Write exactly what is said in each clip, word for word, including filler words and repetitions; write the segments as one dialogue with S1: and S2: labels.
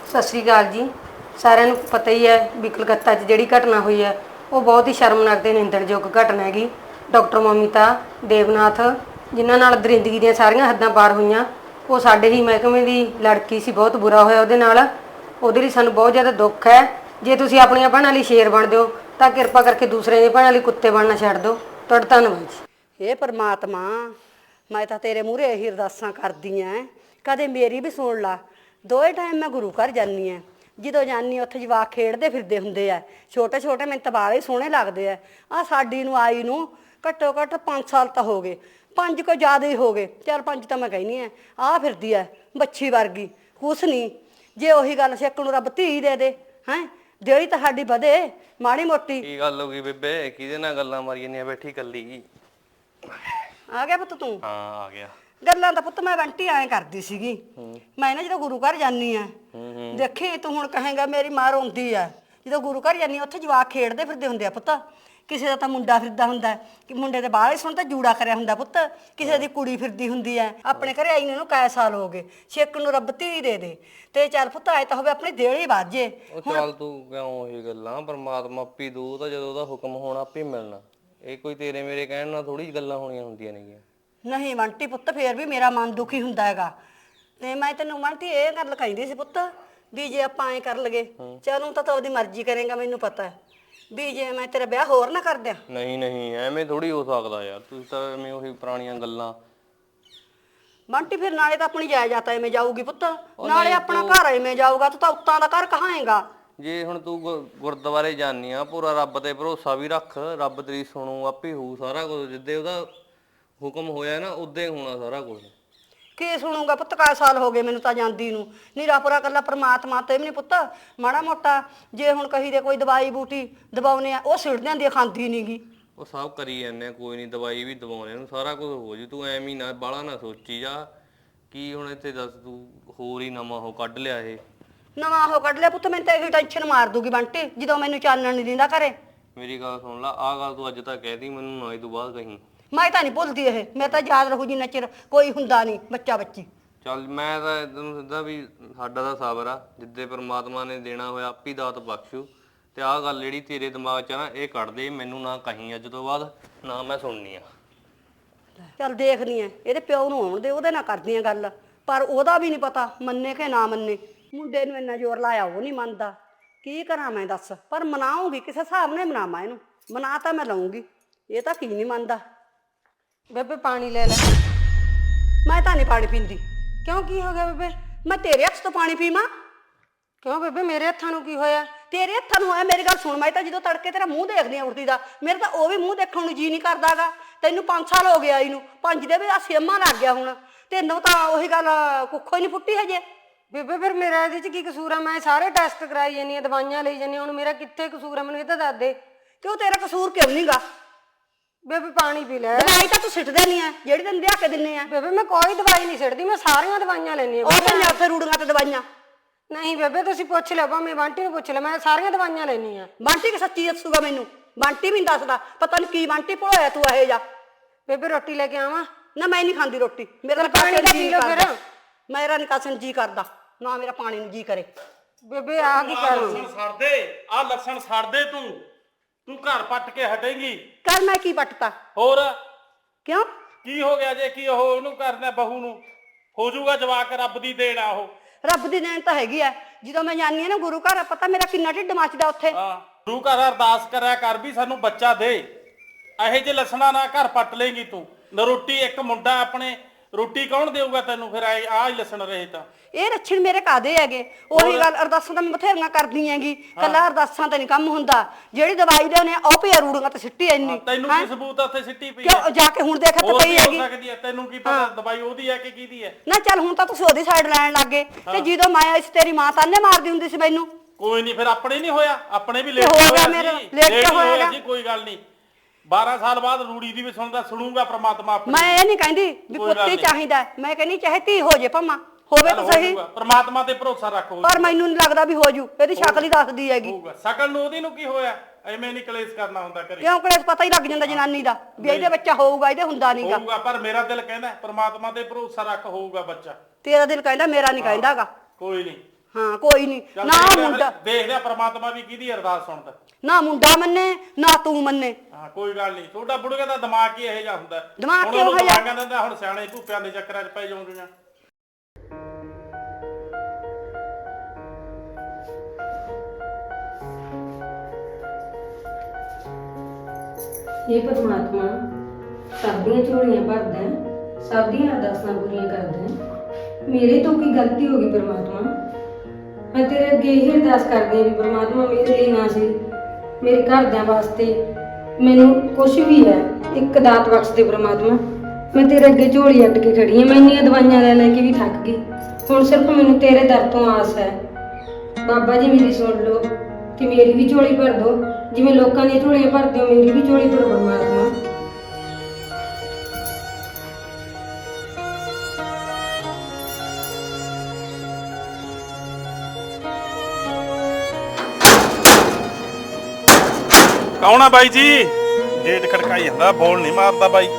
S1: ਸਤਿ ਸ਼੍ਰੀ ਅਕਾਲ ਜੀ। ਸਾਰਿਆਂ ਨੂੰ ਪਤਾ ਹੀ ਹੈ ਵੀ ਕਲਕੱਤਾ 'ਚ ਜਿਹੜੀ ਘਟਨਾ ਹੋਈ ਹੈ ਉਹ ਬਹੁਤ ਹੀ ਸ਼ਰਮਨਾਕ ਤੇ ਨਿੰਦਣਯੋਗ ਘਟਨਾ ਹੈਗੀ। ਡਾਕਟਰ ਮਮਿਤਾ ਦੇਵਨਾਥ ਜਿਨ੍ਹਾਂ ਨਾਲ ਦਰਿੰਦਗੀ ਦੀਆਂ ਸਾਰੀਆਂ ਹੱਦਾਂ ਪਾਰ ਹੋਈਆਂ, ਉਹ ਸਾਡੇ ਹੀ ਮਹਿਕਮੇ ਦੀ ਲੜਕੀ ਸੀ। ਬਹੁਤ ਬੁਰਾ ਹੋਇਆ ਉਹਦੇ ਨਾਲ। ਉਹਦੇ ਲਈ ਸਾਨੂੰ ਬਹੁਤ ਜ਼ਿਆਦਾ ਦੁੱਖ ਹੈ। ਜੇ ਤੁਸੀਂ ਆਪਣੀਆਂ ਭੈਣਾਂ ਲਈ ਸ਼ੇਰ ਬਣਦੇ ਹੋ ਤਾਂ ਕਿਰਪਾ ਕਰਕੇ ਦੂਸਰਿਆਂ ਦੀਆਂ ਭੈਣਾਂ ਲਈ ਕੁੱਤੇ ਬਣਨਾ ਛੱਡ ਦਿਓ। ਤੁਹਾਡਾ ਧੰਨਵਾਦ ਜੀ।
S2: ਇਹ ਪਰਮਾਤਮਾ, ਮੈਂ ਤਾਂ ਤੇਰੇ ਮੂਹਰੇ ਇਹੀ ਅਰਦਾਸਾਂ ਕਰਦੀ ਐ, ਕਦੇ ਮੇਰੀ ਵੀ ਸੁਣ ਲਾ। ਦੋਏ ਟਾਈਮ ਮੈਂ ਗੁਰੂ ਘਰ ਜਾਂਦੀ ਐ। ਜਦੋਂ ਜਾਂਦੀ ਉੱਥੇ ਜਵਾਕ ਖੇਡਦੇ ਫਿਰਦੇ ਹੁੰਦੇ ਆ, ਛੋਟੇ ਛੋਟੇ ਮੈਨੂੰ ਤਾਂ ਬਾਹਲੇ ਸੋਹਣੇ ਲੱਗਦੇ ਆ। ਆਹ ਸਾਡੀ ਨੂੰ ਆਈ ਨੂੰ ਘੱਟੋ ਘੱਟ ਪੰਜ ਸਾਲ ਤਾਂ ਹੋ ਗਏ, ਪੰਜ ਕੋਈ ਜ਼ਿਆਦਾ ਹੀ ਹੋ ਗਏ, ਚਾਰ ਪੰਜ ਤਾਂ ਮੈਂ ਕਹਿੰਦੀ ਆ। ਆਹ ਫਿਰਦੀ ਐ ਬੱਚੀ ਵਰਗੀ, ਕੁਛ ਨਹੀਂ। ਜੇ ਉਹੀ ਗੱਲ ਸਿੱਕ ਨੂੰ ਰੱਬ ਧੀ ਦੇ ਦੇ, ਹੈਂ ਜਿਹੜੀ ਤਾਂ ਸਾਡੀ ਵਧੇ ਮਾੜੀ ਮੋਟੀ।
S3: ਕੀ ਗੱਲ ਹੋ ਗਈ ਬੇਬੇ? ਕਿਹਦੇ ਨਾਲ ਗੱਲਾਂ ਮਾਰੀ ਜਾਂਦੀਆਂ ਬੈਠੀ ਕੱਲੀ?
S2: ਆ ਗਿਆ ਪੁੱਤ ਤੂੰ?
S3: ਹਾਂ ਆ ਗਿਆ।
S2: ਗੱਲਾਂ ਤਾਂ ਪੁੱਤ ਮੈਂ ਬੰਟੀ ਐਂ ਕਰਦੀ ਸੀਗੀ। ਮੈਂ ਨਾ ਜਦੋਂ ਗੁਰੂ ਘਰ ਜਾਂਦੀ ਆ, ਦੇਖੀ ਤੂੰ ਹੁਣ ਕਹੇਂਗਾ ਮੇਰੀ ਮਾਂ ਰੋਂਦੀ ਆ। ਜਦੋਂ ਗੁਰੂ ਘਰ ਜਾਂਦੀ ਉੱਥੇ ਜਵਾਕ ਖੇਡਦੇ ਫਿਰਦੇ ਹੁੰਦੇ ਆ ਪੁੱਤ। ਕਿਸੇ ਦਾ ਤਾਂ ਮੁੰਡਾ ਫਿਰਦਾ ਹੁੰਦਾ ਕਿ ਮੁੰਡੇ ਦੇ ਬਾਹਲੇ ਸੁਣ ਤਾਂ ਜੂੜਾ ਕਰਿਆ ਹੁੰਦਾ ਪੁੱਤ। ਕਿਸੇ ਦੀ ਕੁੜੀ ਫਿਰਦੀ ਹੁੰਦੀ ਐ। ਆਪਣੇ ਘਰੇ ਆਈ ਨੂੰ ਕਈ ਸਾਲ ਹੋ ਗਏ, ਛੇਕ ਨੂੰ ਰੱਬ ਧੀ ਦੇ ਦੇ। ਤੇ ਚੱਲ ਪੁੱਤ ਆਏ ਤਾਂ ਹੋਵੇ ਆਪਣੀ ਦੇਲੀ ਵਾਜੇ।
S3: ਉਹ ਚੱਲ ਤੂੰ ਕਿਉਂ ਇਹ ਗੱਲਾਂ? ਪਰਮਾਤਮਾ ਆਪੀ ਦੂ ਤਾਂ ਜਦੋਂ ਉਹਦਾ ਹੁਕਮ ਹੋਣਾ ਆਪੇ ਮਿਲਣਾ। ਇਹ ਕੋਈ ਤੇਰੇ ਮੇਰੇ ਕਹਿਣ ਨਾਲ ਥੋੜੀ ਗੱਲਾਂ ਹੋਣੀਆਂ ਹੁੰਦੀਆਂ ਨੇਗੀਆਂ।
S2: ਨਹੀਂ ਬੰਟੀ ਪੁੱਤ, ਫੇਰ ਵੀ ਮੇਰਾ ਮਨ ਦੁਖੀ ਹੁੰਦਾ ਹੈਗਾ। ਤੇ ਮੈਂ ਤੈਨੂੰ ਬੰਟੀ ਇਹ ਗੱਲ ਕਹਿੰਦੀ ਸੀ ਪੁੱਤ ਵੀ ਜੇ ਆਪਾਂ ਐਂ ਕਰ ਲਗੇ, ਚਲੂੰ ਤਾਂ ਤੂੰ ਆਪਦੀ ਮਰਜ਼ੀ ਕਰੇਗਾ, ਮੈਨੂੰ ਪਤਾ ਵੀ ਜੇ ਮੈਂ ਤੇਰਾ ਵਿਆਹ ਹੋਰ ਨਾ ਕਰ ਦਿਆਂ।
S3: ਨਹੀਂ ਨਹੀਂ ਐਵੇਂ ਥੋੜੀ ਹੋ ਸਕਦਾ ਯਾਰ, ਤੁਸੀਂ ਤਾਂ ਐਵੇਂ ਉਹੀ ਪੁਰਾਣੀਆਂ ਗੱਲਾਂ।
S2: ਬੰਟੀ ਫਿਰ ਨਾਲੇ ਤਾਂ ਆਪਣੀ ਜਾਇਦਾਦ ਐਵੇਂ ਜਾਊਗੀ ਪੁੱਤ, ਨਾਲੇ ਆਪਣਾ ਘਰ ਐਵੇਂ ਜਾਊਗਾ। ਤੂੰ ਤਾਂ ਉੱਤਾਂ ਦਾ ਘਰ ਕਹਾਂਏਗਾ।
S3: ਜੇ ਹੁਣ ਤੂੰ ਗੁਰਦੁਆਰੇ ਜਾਨੀ ਆ, ਪੂਰਾ ਰੱਬ ਤੇ ਭਰੋਸਾ ਵੀ ਰੱਖ। ਰੱਬ ਤੇਰੀ ਸੁਣੂ, ਆਪੇ ਹੋਊ ਸਾਰਾ ਕੁਝ। ਜਿੱਦੇ ਉਹਦਾ ਹੁਕਮ ਹੋਇਆ ਨਾ ਉਦੇ ਹੋਣਾ ਸਾਰਾ ਕੁਝ।
S2: ਕੀ ਸੁਣੂਗਾ ਪੁੱਤ? ਕਾਹ ਸਾਲ ਹੋ ਗਏ ਮੈਨੂੰ ਤਾਂ ਜਾਂਦੀ ਨੂੰ। ਨੀਰਾ ਪੂਰਾ ਕੱਲਾ ਪਰਮਾਤਮਾ ਤੇ ਵੀ ਨਹੀਂ ਪੁੱਤ ਮਾੜਾ ਮੋਟਾ। ਜੇ ਹੁਣ ਕਹੀ ਦੇ ਕੋਈ ਦਵਾਈ ਬੂਟੀ ਦਵਾਉਨੇ ਆ, ਉਹ ਸਿੱਟ ਜਾਂਦੀ ਆ, ਖਾਂਦੀ ਨੀ ਗੀ।
S3: ਉਹ ਸਭ ਕਰੀ ਜਾਂਦੇ ਆ, ਕੋਈ ਨਹੀਂ ਦਵਾਈ ਵੀ ਦਵਾਉਣੇ ਨੂੰ, ਸਾਰਾ ਕੁਝ ਹੋ ਜੂ। ਤੂੰ ਐਵੇਂ ਨਾ ਬਾਹਲਾ ਨਾ ਸੋਚੀ ਜਾ। ਕੀ ਹੁਣ ਇੱਥੇ ਦੱਸ ਤੂੰ ਹੋਰ ਹੀ ਨਵਾਂ ਉਹ ਕੱਢ ਲਿਆ? ਇਹ
S2: ਨਵਾਂ ਉਹ ਕੱਢ ਲਿਆ ਪੁੱਤ? ਮੈਨੂੰ ਤਾਂ ਇਹੀ ਟੈਨਸ਼ਨ ਮਾਰ ਦੂਗੀ ਬੰਟੀ ਜਦੋਂ ਮੈਨੂੰ ਚਾਨਣ ਨਹੀਂ ਦਿੰਦਾ ਘਰੇ।
S3: ਮੇਰੀ ਗੱਲ ਸੁਣ ਲਾ, ਆਹ ਗੱਲ ਤੂੰ ਅੱਜ ਤੱਕ ਕਹਿਦੀ, ਮੈਨੂੰ ਨਾ ਇਹ ਤੋਂ ਬਾਅਦ ਕਹੀਂ।
S2: ਮੈਂ ਤਾਂ ਨਹੀਂ ਭੁੱਲਦੀ ਇਹ, ਮੈਂ ਤਾਂ ਯਾਦ ਰਹੂ ਜਿੰਨਾ ਚਿਰ ਕੋਈ ਹੁੰਦਾ ਨਹੀਂ ਬੱਚਾ ਬੱਚੀ।
S3: ਚੱਲ ਮੈਂ ਤਾਂ ਤੈਨੂੰ ਸਿੱਧਾ ਵੀ ਸਾਡਾ ਤਾਂ ਸਬਰ ਆ, ਜਿੱਦੇ ਪਰਮਾਤਮਾ ਨੇ ਦੇਣਾ ਹੋਇਆ ਆਪੀ ਦਾਤ ਬਖਸ਼ੂ। ਤੇ ਆਹ ਗੱਲ ਜਿਹੜੀ ਤੇਰੇ ਦਿਮਾਗ 'ਚ ਆ ਨਾ, ਇਹ ਕੱਢ ਦੇ। ਮੈਨੂੰ ਨਾ ਕਹੀਂ ਅੱਜ ਤੋਂ ਬਾਅਦ, ਨਾ ਮੈਂ ਸੁਣਨੀ ਆ।
S2: ਚੱਲ ਦੇਖਦੀ ਐ, ਇਹਦੇ ਪਿਓ ਨੂੰ ਆਉਣ ਦੇ, ਉਹਦੇ ਨਾਲ ਕਰਦੀ ਆ ਗੱਲ। ਪਰ ਉਹਦਾ ਵੀ ਨਹੀਂ ਪਤਾ ਮੰਨੇ ਕਿ ਨਾ ਮੰਨੇ। ਮੁੰਡੇ ਨੂੰ ਇੰਨਾ ਜ਼ੋਰ ਲਾਇਆ, ਉਹ ਨਹੀਂ ਮੰਨਦਾ। ਕੀ ਕਰਾਂ ਮੈਂ ਦੱਸ? ਪਰ ਮਨਾਉਂਗੀ ਕਿਸੇ ਹਿਸਾਬ ਨਾਲ ਮਨਾਵਾਂ ਇਹਨੂੰ। ਮਨਾ ਤਾਂ ਮੈਂ ਲਊਂਗੀ, ਇਹ ਤਾਂ ਕੀ ਨਹੀਂ ਮੰਨਦਾ।
S1: ਬੇਬੇ ਪਾਣੀ ਲੈ ਲੈ।
S2: ਮੈਂ ਤਾਂ ਨਹੀਂ ਪਾਣੀ ਪੀਂਦੀ।
S1: ਕਿਉਂ, ਕੀ ਹੋ ਗਿਆ ਬੇਬੇ?
S2: ਮੈਂ ਤੇਰੇ ਹੱਥ ਤੋਂ ਪਾਣੀ ਪੀਵਾਂ?
S1: ਕਿਉਂ ਬੇਬੇ, ਮੇਰੇ ਹੱਥਾਂ ਨੂੰ ਕੀ ਹੋਇਆ?
S2: ਤੇਰੇ ਹੱਥਾਂ ਨੂੰ ਹੋਇਆ? ਮੇਰੀ ਗੱਲ ਸੁਣ, ਮੈਂ ਤਾਂ ਜਦੋਂ ਤੜਕੇ ਤੇਰਾ ਮੂੰਹ ਦੇਖਦੀ ਆ ਉੜਦੀ ਦਾ, ਮੇਰੇ ਤਾਂ ਉਹ ਵੀ ਮੂੰਹ ਦੇਖਣ ਨੂੰ ਜੀ ਨਹੀਂ ਕਰਦਾਗਾ। ਤੈਨੂੰ ਪੰਜ ਸਾਲ ਹੋ ਗਿਆ ਇਹਨੂੰ, ਪੰਜ ਦੇ ਵੀ ਆ ਸੇਮਾ ਲੱਗ ਗਿਆ ਹੁਣ। ਤੈਨੂੰ ਤਾਂ ਉਹੀ ਗੱਲ ਕੁੱਖੋ ਹੀ ਨਹੀਂ ਫੁੱਟੀ ਹਜੇ।
S1: ਬੇਬੇ ਫਿਰ ਮੇਰਾ ਇਹਦੇ 'ਚ ਕੀ ਕਸੂਰ ਆ? ਮੈਂ ਸਾਰੇ ਟੈਸਟ ਕਰਾਈ ਜਾਂਦੀ ਆ, ਦਵਾਈਆਂ ਲਈ ਜਾਂਦੀ। ਹੁਣ ਮੇਰਾ ਕਿੱਥੇ ਕਸੂਰ ਆ? ਮੈਨੂੰ ਇਹ ਤਾਂ ਦੱਸ ਦੇ।
S2: ਕਿਉਂ ਤੇਰਾ ਕਸੂਰ ਕਿਉਂ ਨਹੀਂਗਾ?
S1: ਬੇਬੇ ਪਾਣੀ ਪੀ ਲੈ।
S2: ਦਵਾਈ ਤਾਂ ਤੂੰ ਸਿੱਟਦੇ ਨਹੀਂ ਆ ਜਿਹੜੀ ਤੈਨੂੰ ਲਿਆ ਕੇ ਦਿੰਨੇ ਆ।
S1: ਬੇਬੇ ਮੈਂ ਕੋਈ ਦਵਾਈ ਨਹੀਂ ਸਿੱਟਦੀ, ਮੈਂ ਸਾਰੀਆਂ ਦਵਾਈਆਂ ਲੈਂਦੀ ਆ।
S2: ਉਹ ਤਾਂ ਉੱਥੇ ਰੂੜੀਆਂ ਤੇ ਦਵਾਈਆਂ।
S1: ਨਹੀਂ ਬੇਬੇ, ਤੁਸੀਂ ਪੁੱਛ ਲਿਓ, ਭਾਵੇਂ ਬੰਟੀ ਨੂੰ ਪੁੱਛ ਲਿਓ, ਮੈਂ ਸਾਰੀਆਂ ਦਵਾਈਆਂ ਲੈਂਦੀ ਆ।
S2: ਬੰਟੀ ਕਿ ਸੱਚੀ ਦੱਸੂਗਾ ਮੈਨੂੰ? ਬੰਟੀ ਵੀ ਨਹੀਂ ਦੱਸਦਾ, ਪਤਾ ਨਹੀਂ ਕੀ ਬੰਟੀ ਭੋਇਆ ਤੂੰ ਇਹ ਜਾ।
S1: ਬੇਬੇ ਰੋਟੀ ਲੈ ਕੇ ਆਵਾਂ?
S2: ਨਾ ਮੈਂ ਨਹੀਂ ਖਾਂਦੀ ਰੋਟੀ, ਮੇਰਾ
S1: ਪਾਣੀ ਦਾ ਪੀ ਲਓ ਫਿਰ।
S2: ਮੇਰਾ ਨਿਕਾਸਨ ਜੀ ਕਰਦਾ ਨਾ, ਮੇਰਾ ਪਾਣੀ ਨੂੰ ਜੀ ਕਰੇ।
S1: ਬੇਬੇ ਆ ਕੀ ਕਰ ਰਹੀ?
S4: ਸੜਦੇ ਆ ਲੱਛਣ ਸੜਦੇ। ਤੂੰ ਤੂੰ ਘਰ ਪੱਟ ਕੇ ਹਟੇਂਗੀ?
S2: ਕਰ ਮੈਂ ਕੀ ਪੱਟਤਾ?
S4: ਹੋਰ
S2: ਕਿਉਂ
S4: ਕੀ ਹੋ ਗਿਆ? ਜੇ ਕੀ ਉਹ ਉਹਨੂੰ ਕਰਨਾ, ਬਹੂ ਨੂੰ ਹੋ ਜਾਊਗਾ ਜਵਾਕ, ਰੱਬ ਦੀ ਦੇਣ ਆ ਉਹ।
S2: ਰੱਬ ਦੀ ਦੇਣ ਤਾਂ ਹੈਗੀ ਆ। ਜਦੋਂ ਮੈਂ ਜਾਂਦੀ ਆ ਨਾ ਗੁਰੂ ਘਰ, ਪਤਾ ਮੇਰਾ ਕਿੰਨਾ ਢਿੱਡ ਮੱਚਦਾ ਉੱਥੇ।
S4: ਹਾਂ, ਗੁਰੂ ਘਰ ਅਰਦਾਸ ਕਰਿਆ ਕਰ ਵੀ ਸਾਨੂੰ ਬੱਚਾ ਦੇ। ਇਹੋ ਜਿਹੇ ਲੱਛਣਾਂ ਨਾਲ ਘਰ ਪੱਟ ਲੇਂਗੀ ਤੂੰ। ਨਾ ਰੋਟੀ, ਇੱਕ ਮੁੰਡਾ ਆਪਣੇ, ਰੋਟੀ ਕੌਣ ਦੇਊਗਾ ਤੈਨੂੰ? ਫਿਰ ਆਹ ਹੀ ਲੱਛਣ ਰਹੇ ਤਾਂ
S2: ਇਹ ਲੱਛਣ ਮੇਰੇ ਕਾਦੇ ਹੈਗੇ? ਉਹੀ ਗੱਲ, ਅਰਦਾਸਾਂ ਤਾਂ ਮੈਂ ਬਥੇਰੀਆਂ ਕਰਦੀ ਹੈਗੀ, ਕੱਲਾ ਅਰਦਾਸਾਂ ਤੇ ਨਹੀਂ ਕੰਮ ਹੁੰਦਾ। ਜਿਹੜੀ ਦਵਾਈ ਦੇ ਨੇ ਉਹ ਪਿਆ ਰੂੜੀਆਂ ਤੇ ਸਿੱਟੀ ਇੰਨੀ।
S4: ਤੈਨੂੰ ਕੀ ਸਬੂਤ ਆ ਉੱਥੇ ਸਿੱਟੀ ਪਈ?
S2: ਕਿਉਂ ਜਾ ਕੇ ਹੁਣ ਦੇਖ ਤੇ ਪਈ ਹੈਗੀ।
S4: ਸਕਦੀ ਹੈ, ਤੈਨੂੰ ਕੀ ਪਤਾ ਦਵਾਈ ਉਹਦੀ ਹੈ ਕਿ ਕਿਹਦੀ ਹੈ?
S2: ਨਾ ਚੱਲ ਹੁਣ ਤਾਂ ਤੁਸੀਂ ਉਹਦੀ ਸਾਈਡ ਲੈਣ ਲੱਗ ਗਏ। ਤੇ ਜਦੋਂ ਮੈਂ ਇਸ ਤੇਰੀ ਮਾਂ ਤਾਨੇ ਮਾਰਦੀ ਹੁੰਦੀ ਸੀ ਮੈਨੂੰ।
S4: ਕੋਈ ਨਹੀਂ, ਫਿਰ ਆਪਣੇ ਨਹੀਂ ਹੋਇਆ? ਆਪਣੇ ਵੀ ਲੇਟ
S2: ਹੋ ਗਿਆ ਮੇਰਾ, ਲੇਟ ਹੋਇਆ
S4: ਜੀ। ਕੋਈ ਗੱਲ ਨਹੀਂ, ਬਾਰਾਂ ਸਾਲ ਬਾਅਦ ਰੂੜੀ ਦੀ ਵੀ ਸੁਣਦਾ ਸੁਣੂਗਾ ਪ੍ਰਮਾਤਮਾ ਆਪਣੀ।
S2: ਮੈਂ ਇਹ ਨਹੀਂ ਕਹਿੰਦੀ ਵੀ ਪੁੱਤੀ ਚਾਹੀਦਾ, ਮੈਂ ਕਹਿੰਦੀ ਚਾਹੇ ਧੀ ਹੋ ਜੇ ਭਾਵਾਂ, ਹੋਵੇ ਤਾਂ ਸਹੀ।
S4: ਪ੍ਰਮਾਤਮਾ ਤੇ ਭਰੋਸਾ ਰੱਖੋ।
S2: ਪਰ ਮੈਨੂੰ ਨਹੀਂ ਲੱਗਦਾ ਵੀ ਹੋ ਜੂ, ਇਹਦੀ ਸ਼ਕਲ ਹੀ ਦੱਸਦੀ ਹੈਗੀ।
S4: ਹੋਊਗਾ ਸ਼ਕਲ ਨੂੰ, ਉਹਦੀ ਨੂੰ ਕੀ ਹੋਇਆ? ਐਵੇਂ ਨਹੀਂ ਕਲੇਸ਼ ਕਰਨਾ ਹੁੰਦਾ ਘਰੇ।
S2: ਕਿਉਂ ਕਲੇਸ਼? ਪਤਾ ਹੀ ਲੱਗ ਜਾਂਦਾ ਜਨਾਨੀ ਦਾ ਵੀ ਇਹਦੇ ਬੱਚਾ ਹੋਊਗਾ, ਇਹਦੇ ਹੁੰਦਾ ਨਹੀਂਗਾ।
S4: ਹੋਊਗਾ, ਪਰ ਮੇਰਾ ਦਿਲ ਕਹਿੰਦਾ ਪ੍ਰਮਾਤਮਾ ਤੇ ਭਰੋਸਾ ਰੱਖ, ਹੋਊਗਾ ਬੱਚਾ।
S2: ਤੇਰਾ ਦਿਲ ਕਹਿੰਦਾ, ਮੇਰਾ ਨਹੀਂ ਕਹਿੰਦਾਗਾ।
S4: ਕੋਈ ਨਹੀਂ,
S2: ਹਾਂ ਕੋਈ ਨਹੀਂ
S4: ਚੱਲ
S2: ਨਾ
S4: ਦੇਖ ਲਿਆ
S2: ਮੁੰਡਾ
S4: ਫਿਰ, ਦੇਖ ਲਿਆ ਪ੍ਰਮਾਤਮਾ ਵੀ ਕਿਹਦੀ ਅਰਦਾਸ ਸੁਣਦਾ।
S2: ਨਾ ਮੁੰਡਾ ਮੰਨੇ ਨਾ ਤੂੰ ਮੰਨੇ।
S4: ਹਾਂ ਕੋਈ ਗੱਲ ਨਹੀਂ, ਤੁਹਾਡਾ ਬੁੜੀਆਂ ਦਾ ਦਿਮਾਗ ਹੀ ਇਹੋ ਜਿਹਾ ਹੁੰਦਾ।
S2: ਦਿਮਾਗ
S4: ਹੁਣ
S2: ਕਿਹੋ
S4: ਉਹਨੂੰ
S2: ਜਿਹਾ?
S4: ਦਿਮਾਗਾਂ ਦਿੰਦਾ, ਹੁਣ ਸਿਆਣੇ ਭੂਪਿਆਂ ਦੇ ਚੱਕਰਾਂ 'ਚ ਪੈ ਜਾਉਂਦੀਆਂ।
S1: ਇਹ ਪਰਮਾਤਮਾ ਸਭ ਦੀਆਂ ਝੋਲੀਆਂ ਭਰਦਾ ਹੈ, ਸਭ ਦੀਆਂ ਅਰਦਾਸਾਂ ਪੂਰੀਆਂ ਕਰਦਾ ਹੈ। ਮੇਰੇ ਤੋਂ ਕੀ ਗਲਤੀ ਹੋ ਗਈ ਪਰਮਾਤਮਾ? ਮੈਂ ਤੇਰੇ ਅੱਗੇ ਇਹ ਅਰਦਾਸ ਕਰਦੀ ਹਾਂ ਵੀ ਪਰਮਾਤਮਾ ਮੇਰੇ ਲਈ ਨਾ ਸੀ, ਮੇਰੇ ਘਰਦਿਆਂ ਵਾਸਤੇ ਮੈਨੂੰ ਕੁਝ ਵੀ ਹੈ ਇੱਕ ਦਾਤ ਬਖਸ਼ ਦੇ ਪਰਮਾਤਮਾ। ਮੈਂ ਤੇਰੇ ਅੱਗੇ ਝੋਲੀ ਅੱਡ ਕੇ ਖੜੀ ਹਾਂ, ਮੈਂ ਇੰਨੀਆਂ ਦਵਾਈਆਂ ਲੈ ਲੈ ਕੇ ਵੀ ਥੱਕ ਗਈ। ਹੁਣ ਸਿਰਫ ਮੈਨੂੰ ਤੇਰੇ ਦਰ ਤੋਂ ਆਸ ਹੈ। ਬਾਬਾ ਜੀ ਮੇਰੀ ਸੁਣ ਲਓ ਤੇ ਮੇਰੀ ਵੀ ਝੋਲੀ ਭਰ ਦਿਓ, ਜਿਵੇਂ ਲੋਕਾਂ ਦੀਆਂ ਝੋਲੀਆਂ ਭਰਦੇ ਹੋ ਮੇਰੀ ਵੀ ਝੋਲੀ ਭਰੋ ਪਰਮਾਤਮਾ।
S4: ਕੌਣ ਆ ਬਾਈ ਜੀ? ਗੇਟ ਖੜਕਾਈ ਜਾਂਦਾ, ਬੋਲ ਨਹੀਂ ਮਾਰਦਾ ਬਾਈ।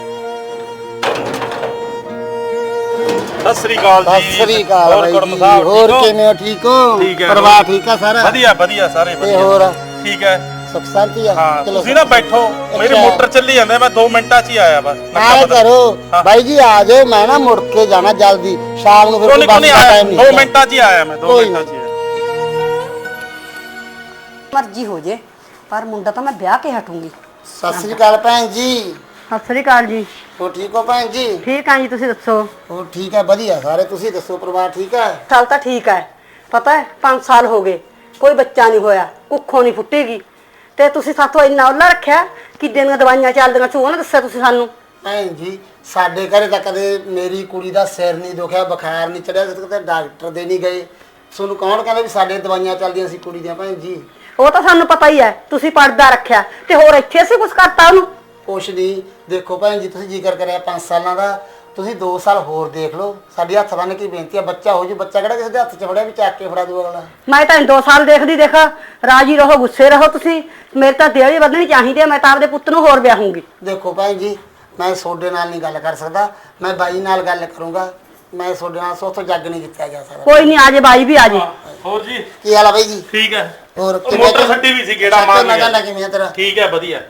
S4: ਸਤਿ ਸ੍ਰੀ ਅਕਾਲ ਜੀ।
S5: ਸਤਿ ਸ੍ਰੀ ਅਕਾਲ
S4: ਹੋਰ
S5: ਬਾਈ
S4: ਕੁੜਮ
S5: ਜੀ,
S4: ਸਾਹਿਬ
S5: ਹੋਰ
S4: ਠੀਕ ਹੋ?
S5: ਕਿਵੇਂ ਹੋ? ਠੀਕ ਹੋ?
S4: ਠੀਕ ਹੈ।
S5: ਪਰਿਵਾਰ ਠੀਕ ਆ ਸਾਰਾ?
S4: ਵਧੀਆ ਵਧੀਆ, ਸਾਰੇ
S5: ਤੇ
S4: ਵਧੀਆ।
S5: ਹੋਰ
S4: ਠੀਕ ਹੈ।
S5: ਸੁਖ ਸ਼ਾਂਤੀ ਆ?
S4: ਹਾਂ
S5: ਚਲੋ
S4: ਤੁਸੀਂ ਨਾ ਬੈਠੋ, ਮੇਰੀ
S5: ਅੱਛਾ।
S4: ਮੋਟਰ ਚੱਲੀ ਜਾਂਦੇ, ਮੈਂ ਦੋ ਮਿੰਟਾਂ 'ਚ ਹੀ ਆਇਆ ਵਾ।
S5: ਆਏ ਕਰੋ
S4: ਹਾਂ।
S5: ਬਾਈ ਜੀ, ਆ ਜਾਓ, ਮੈਂ ਨਾ ਮੁੜ ਕੇ ਜਾਣਾ ਜਲਦੀ, ਸ਼ਾਮ ਨੂੰ ਫਿਰ
S4: ਕੋਈ
S5: ਕੋਈ
S4: ਨਹੀਂ
S5: ਬੱਸ ਦਾ
S4: ਆਇਆ,
S5: ਟਾਈਮ
S4: ਦੋ
S5: ਨਹੀਂ।
S4: ਮਿੰਟਾਂ 'ਚ ਹੀ ਆਇਆ ਮੈਂ, ਦੋ
S5: ਕੋਈ
S4: ਮਿੰਟਾਂ 'ਚ ਹੀ ਆਇਆ।
S2: ਮਰਜ਼ੀ ਹੋ ਜੇ, ਪਰ ਮੁੰਡਾ ਤਾਂ ਮੈਂ ਵਿਆਹ ਕੇ ਹਟੂੰਗੀ।
S5: ਸਤਿ ਸ੍ਰੀ ਅਕਾਲ ਭੈਣ ਜੀ।
S2: ਸਤਿ ਸ੍ਰੀ ਅਕਾਲ ਜੀ।
S5: ਹੋਰ ਠੀਕ ਹੋ ਭੈਣ ਜੀ?
S2: ਠੀਕ ਆ ਜੀ, ਤੁਸੀਂ ਦੱਸੋ?
S5: ਹੋਰ ਠੀਕ ਹੈ, ਵਧੀਆ ਸਾਰੇ। ਤੁਸੀਂ ਦੱਸੋ, ਪਰਿਵਾਰ ਠੀਕ ਹੈ?
S2: ਸਾਲ ਤਾਂ ਠੀਕ ਹੈ, ਪਤਾ ਹੈ ਪੰਜ ਸਾਲ ਹੋ ਗਏ ਕੋਈ ਬੱਚਾ ਨਹੀਂ ਹੋਇਆ, ਕੁੱਖੋਂ ਨਹੀਂ ਫੁੱਟੇਗੀ, ਤੇ ਤੁਸੀਂ ਸਾਥੋਂ ਇੰਨਾ ਉੱਲਾ ਰੱਖਿਆ ਕਿ ਦੀਆਂ ਦਵਾਈਆਂ ਚੱਲਦੀਆਂ ਸੀ, ਉਹ ਨਾ ਦੱਸਿਆ ਤੁਸੀਂ ਸਾਨੂੰ।
S5: ਭੈਣ ਜੀ, ਸਾਡੇ ਘਰੇ ਤਾਂ ਕਦੇ ਮੇਰੀ ਕੁੜੀ ਦਾ ਸਿਰ ਨਹੀਂ ਦੁਖਿਆ, ਬੁਖਾਰ ਨਹੀਂ ਚੜਿਆ, ਕਦੇ ਡਾਕਟਰ ਦੇ ਨਹੀਂ ਗਏ। ਤੁਹਾਨੂੰ ਕੌਣ ਕਹਿੰਦਾ ਵੀ ਸਾਡੇ ਦਵਾਈਆਂ ਚੱਲਦੀਆਂ ਸੀ ਕੁੜੀ ਦੀਆਂ? ਭੈਣ ਜੀ
S2: ਉਹ ਤਾਂ ਸਾਨੂੰ ਪਤਾ ਹੀ ਹੈ, ਤੁਸੀਂ ਪਰਦਾ ਰੱਖਿਆ ਤੇ ਹੋਰ ਇੱਥੇ ਅਸੀਂ ਕੁਝ ਕਰਤਾ ਉਹਨੂੰ?
S5: ਕੁਛ ਨਹੀਂ। ਦੇਖੋ ਭੈਣ ਜੀ, ਤੁਸੀਂ ਜ਼ਿਕਰ ਕਰਿਆ ਪੰਜ ਸਾਲਾਂ ਦਾ, ਤੁਸੀਂ ਦੋ ਸਾਲ ਹੋਰ ਦੇਖ ਲਓ। ਸਾਡੀ ਹੱਥ ਬੰਨ ਕੇ ਬੇਨਤੀ ਆ, ਬੱਚਾ ਹੋ ਜੂ। ਬੱਚਾ ਕਿਹੜਾ ਕਿਸੇ ਦੇ ਹੱਥ 'ਚ ਫੜਿਆ ਵੀ ਚੱਕ ਕੇ ਫੜਾ ਦੂ ਅਗਲਾ।
S2: ਮੈਂ ਤਾਂ ਦੋ ਸਾਲ ਦੇਖਦੀ ਦੇਖ, ਰਾਜੀ ਰਹੋ ਗੁੱਸੇ ਰਹੋ ਤੁਸੀਂ। ਮੇਰੇ ਤਾਂ ਦੇਹ ਵੀ ਵਧਣੀ ਚਾਹੀਦੀ ਹੈ, ਮੈਂ ਤਾਂ ਆਪਦੇ ਪੁੱਤ ਨੂੰ ਹੋਰ ਵਿਆਹੂੰਗੀ।
S5: ਦੇਖੋ ਭੈਣ ਜੀ, ਮੈਂ ਤੁਹਾਡੇ ਨਾਲ ਨਹੀਂ ਗੱਲ ਕਰ ਸਕਦਾ, ਮੈਂ ਬਾਈ ਨਾਲ ਗੱਲ ਕਰੂੰਗਾ। ਮੈਂ ਤੁਹਾਡੇ ਨਾਲ ਸੋਥੋਂ ਜੱਗ ਨਹੀਂ ਜਿੱਤਿਆ ਜਾ ਸਕਦਾ।
S2: ਕੋਈ ਨਹੀਂ, ਆਜੇ ਬਾਈ ਵੀ ਆਜੇ।
S4: ਹੋਰ ਜੀ
S5: ਕੀ ਹਾਲ ਆ ਬਾਈ ਜੀ?
S4: ਠੀਕ ਹੈ।
S5: ਹੋਰ
S4: ਉਹ ਮੋਟਰ ਛੱਡੀ ਵੀ ਸੀ, ਗੇੜਾ ਮਾਰ
S5: ਮੈਂ
S4: ਲਿਆ।
S5: ਕਹਿੰਦਾ ਕਿਵੇਂ ਆ ਤੇਰਾ?
S4: ਠੀਕ ਹੈ, ਵਧੀਆ।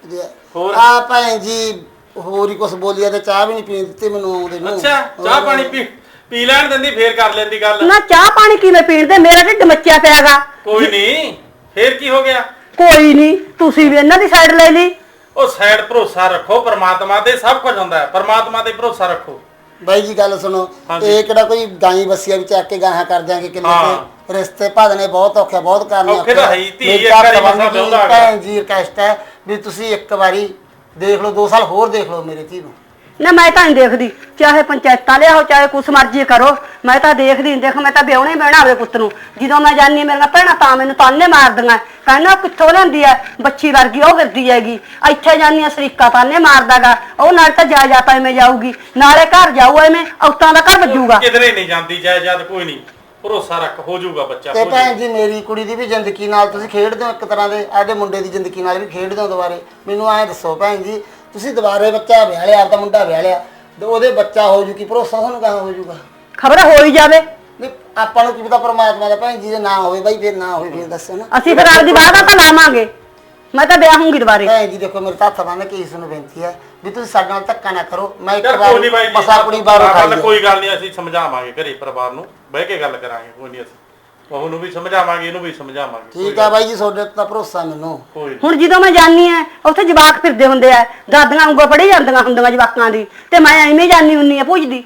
S4: ਹੋਰ?
S5: ਆ ਭੈਣ ਜੀ, ਹੋਰ ਹੀ ਕੁਛ ਬੋਲਿਆ ਤੇ ਚਾਹ ਵੀ ਨਹੀਂ ਪੀਣ ਦਿੱਤੀ ਮੈਨੂੰ ਆਉਂਦੇ ਨੂੰ।
S4: ਅੱਛਾ, ਚਾਹ ਪਾਣੀ ਪੀ ਪੀ ਲੈਣ ਦਿੰਦੀ, ਫੇਰ ਕਰ ਲੈਂਦੀ ਗੱਲ।
S2: ਨਾ ਚਾਹ ਪਾਣੀ ਕਿਵੇਂ ਪੀਣ ਦੇ, ਮੇਰਾ ਢਿੱਡ ਮੱਚਿਆ ਪਿਆਗਾ।
S4: ਕੋਈ ਨਹੀਂ, ਫੇਰ ਕੀ ਹੋ ਗਿਆ?
S2: ਕੋਈ ਨਹੀਂ, ਤੁਸੀਂ ਵੀ ਇਹਨਾਂ ਦੀ ਸਾਈਡ ਲੈ ਲਈ।
S4: ਉਹ ਸਾਈਡ ਭਰੋਸਾ ਰੱਖੋ, ਪਰਮਾਤਮਾ ਤੇ ਸਭ ਕੁਝ ਹੁੰਦਾ ਹੈ, ਪਰਮਾਤਮਾ ਤੇ ਭਰੋਸਾ ਰੱਖੋ।
S5: ਬਾਈ ਜੀ ਗੱਲ ਸੁਣੋ,
S4: ਹਾਂਜੀ।
S5: ਇਹ ਕਿਹੜਾ ਕੋਈ ਗਾਈ ਬੱਸੀਆ ਵੀ ਚੱਕ ਕੇ ਗਾਹਾਂ ਕਰ ਦਿਆਂਗੇ ਕਿੰਨੇ
S4: ਹਾਂ।
S5: ਤੇ ਰਿਸ਼ਤੇ ਭਾਦਨੇ ਬਹੁਤ ਔਖੇ, ਬਹੁਤ ਕਰਨੇ
S4: ਔਖੇ ਤਾਂ ਹੈ ਹੀ, ਧੀ
S5: ਮੇਰੀ
S4: ਇੱਕ ਵਾਰੀ
S5: ਤਾਂ
S4: ਮਸਾਂ ਵਿਆਹੁੰਦਾ ਹੈਗਾ।
S5: ਭੈਣ ਜੀ ਰਿਕਵੈਸਟ ਹੈ ਵੀ ਤੁਸੀਂ ਇੱਕ ਵਾਰੀ ਦੇਖ ਲਓ, ਦੋ ਸਾਲ ਹੋਰ ਦੇਖ ਲਓ ਮੇਰੇ ਧੀ ਨੂੰ।
S2: ਨਾ ਮੈਂ ਤਾਂ ਨਹੀਂ ਦੇਖਦੀ, ਚਾਹੇ ਪੰਚਾਇਤਾਂ ਲਿਆਓ ਚਾਹੇ ਕੁਛ ਮਰਜ਼ੀ ਕਰੋ, ਮੈਂ ਤਾਂ ਦੇਖਦੀ ਨਹੀਂ। ਦੇਖ ਮੈਂ ਤਾਂ ਵਿਆਹਣੇ ਬਹਿਣਾ ਆਪਣੇ ਪੁੱਤ ਨੂੰ। ਜਦੋਂ ਮੈਂ ਜਾਨੀ ਮੇਰੀਆਂ ਭੈਣਾਂ ਤਾਂ ਮੈਨੂੰ ਤਾਨੇ ਮਾਰਦੀਆਂ, ਕਹਿੰਦਾ ਕਿੱਥੋਂ ਲੈਂਦੀ ਐ ਬੱਚੀ ਵਰਗੀ, ਉਹ ਫਿਰਦੀ ਹੈਗੀ। ਇੱਥੇ ਜਾਨੀ ਸਰੀਕਾ ਤਾਨੇ ਮਾਰਦਾਗਾ, ਉਹ ਨਾਲ ਤਾਂ ਜਾਇਦਾਦ ਐਵੇਂ ਜਾਊਗੀ, ਨਾਲੇ ਘਰ ਜਾਊ ਐਵੇਂ, ਔਤਾਂ ਦਾ ਘਰ ਵੱਜੂਗਾ।
S4: ਕਿਧਰੇ ਨਹੀਂ ਜਾਂਦੀ ਜਾਇਦਾਦ, ਕੋਈ ਨਹੀਂ, ਭਰੋਸਾ ਰੱਖ, ਹੋ ਜਾਊਗਾ ਬੱਚਾ।
S5: ਤੇ
S4: ਹੋ
S5: ਭੈਣ ਜੀ, ਮੇਰੀ ਕੁੜੀ ਦੀ ਵੀ ਜ਼ਿੰਦਗੀ ਨਾਲ ਤੁਸੀਂ ਖੇਡਦੇ ਹੋ ਇੱਕ ਤਰ੍ਹਾਂ ਦੇ, ਆਦੇ ਮੁੰਡੇ ਦੀ ਜ਼ਿੰਦਗੀ ਨਾਲ ਵੀ ਖੇਡਦੇ ਹੋ ਦੁਬਾਰੇ। ਮੈਨੂੰ ਐਂ ਦੱਸੋ ਭੈਣ ਜੀ, ਤੁਸੀਂ ਦੁਬਾਰੇ ਬੱਚਾ ਵਿਆਹ ਲਿਆ, ਆਪਦਾ ਮੁੰਡਾ ਵਿਆਹ ਲਿਆ, ਤੇ ਉਹਦੇ ਬੱਚਾ ਹੋ ਜੂ, ਕੀ ਭਰੋਸਾ ਤੁਹਾਨੂੰ ਕਹਾਂ ਹੋ ਜੂਗਾ?
S2: ਖਬਰ ਹੋ ਹੀ ਜਾਵੇ।
S5: ਨਹੀਂ, ਆਪਾਂ ਨੂੰ ਕੀ ਪਤਾ ਪਰਮਾਤਮਾ ਦਾ। ਭੈਣ ਜੀ ਜੇ ਨਾ ਹੋਵੇ ਬਾਈ, ਫਿਰ ਨਾ ਹੋਵੇ, ਫਿਰ ਦੱਸੋ ਨਾ।
S2: ਅਸੀਂ ਫਿਰ ਆਪਦੀ ਵਾਅਦਾ ਤਾਂ ਲਾਵਾਂਗੇ, ਮੈਂ ਤਾਂ ਵਿਆਹੂੰਗੀ ਦੁਬਾਰੇ।
S5: ਭੈਣ ਜੀ ਦੇਖੋ, ਮੇਰੇ ਤਾਂ ਹੱਥ ਬੰਨ੍ਹ ਕੇ ਇਸ ਨੂੰ ਬੇਨਤੀ ਹੈ ਵੀ ਤੁਸੀਂ ਸਾਡੇ ਨਾਲ ਧੱਕਾ ਨਾ ਕਰੋ। ਮੈਂ ਇੱਕ
S4: ਚੱਲ ਕੋਈ ਨਹੀਂ ਬਾਈ
S5: ਵਾਰ
S4: ਜੀ,
S5: ਮਸਾ ਕੁੜੀ ਬਾਹਰੋਂ
S4: ਗੱਲ
S5: ਖਾਈ
S4: ਕੋਈ ਗੱਲ ਨਹੀਂ, ਅਸੀਂ ਸਮਝਾਵਾਂਗੇ ਘਰੇ ਪਰਿਵਾਰ ਨੂੰ ਬਹਿ ਕੇ ਗੱਲ ਕਰਾਂਗੇ। ਕੋਈ ਨਹੀਂ, ਅਸੀਂ ਉਹਨੂੰ ਵੀ ਸਮਝਾਵਾਂਗੇ, ਇਹਨੂੰ ਵੀ ਸਮਝਾਵਾਂਗੇ।
S5: ਠੀਕ ਆ ਬਾਈ ਜੀ, ਤੁਹਾਡੇ ਤਾਂ ਭਰੋਸਾ ਮੈਨੂੰ।
S4: ਕੋਈ ਨੀ।
S2: ਹੁਣ ਜਦੋਂ ਮੈਂ ਜਾਨੀ ਐ ਉੱਥੇ ਜਵਾਕ ਫਿਰਦੇ ਹੁੰਦੇ ਆ, ਦਾਦੀਆਂ ਉਂਗਲ ਪੜੀ ਜਾਂਦੀਆਂ ਹੁੰਦੀਆਂ ਜਵਾਕਾਂ ਦੀ, ਤੇ ਮੈਂ ਐਵੇਂ ਜਾਨੀ ਹੁੰਨੀ ਆ ਪੁੱਜਦੀ।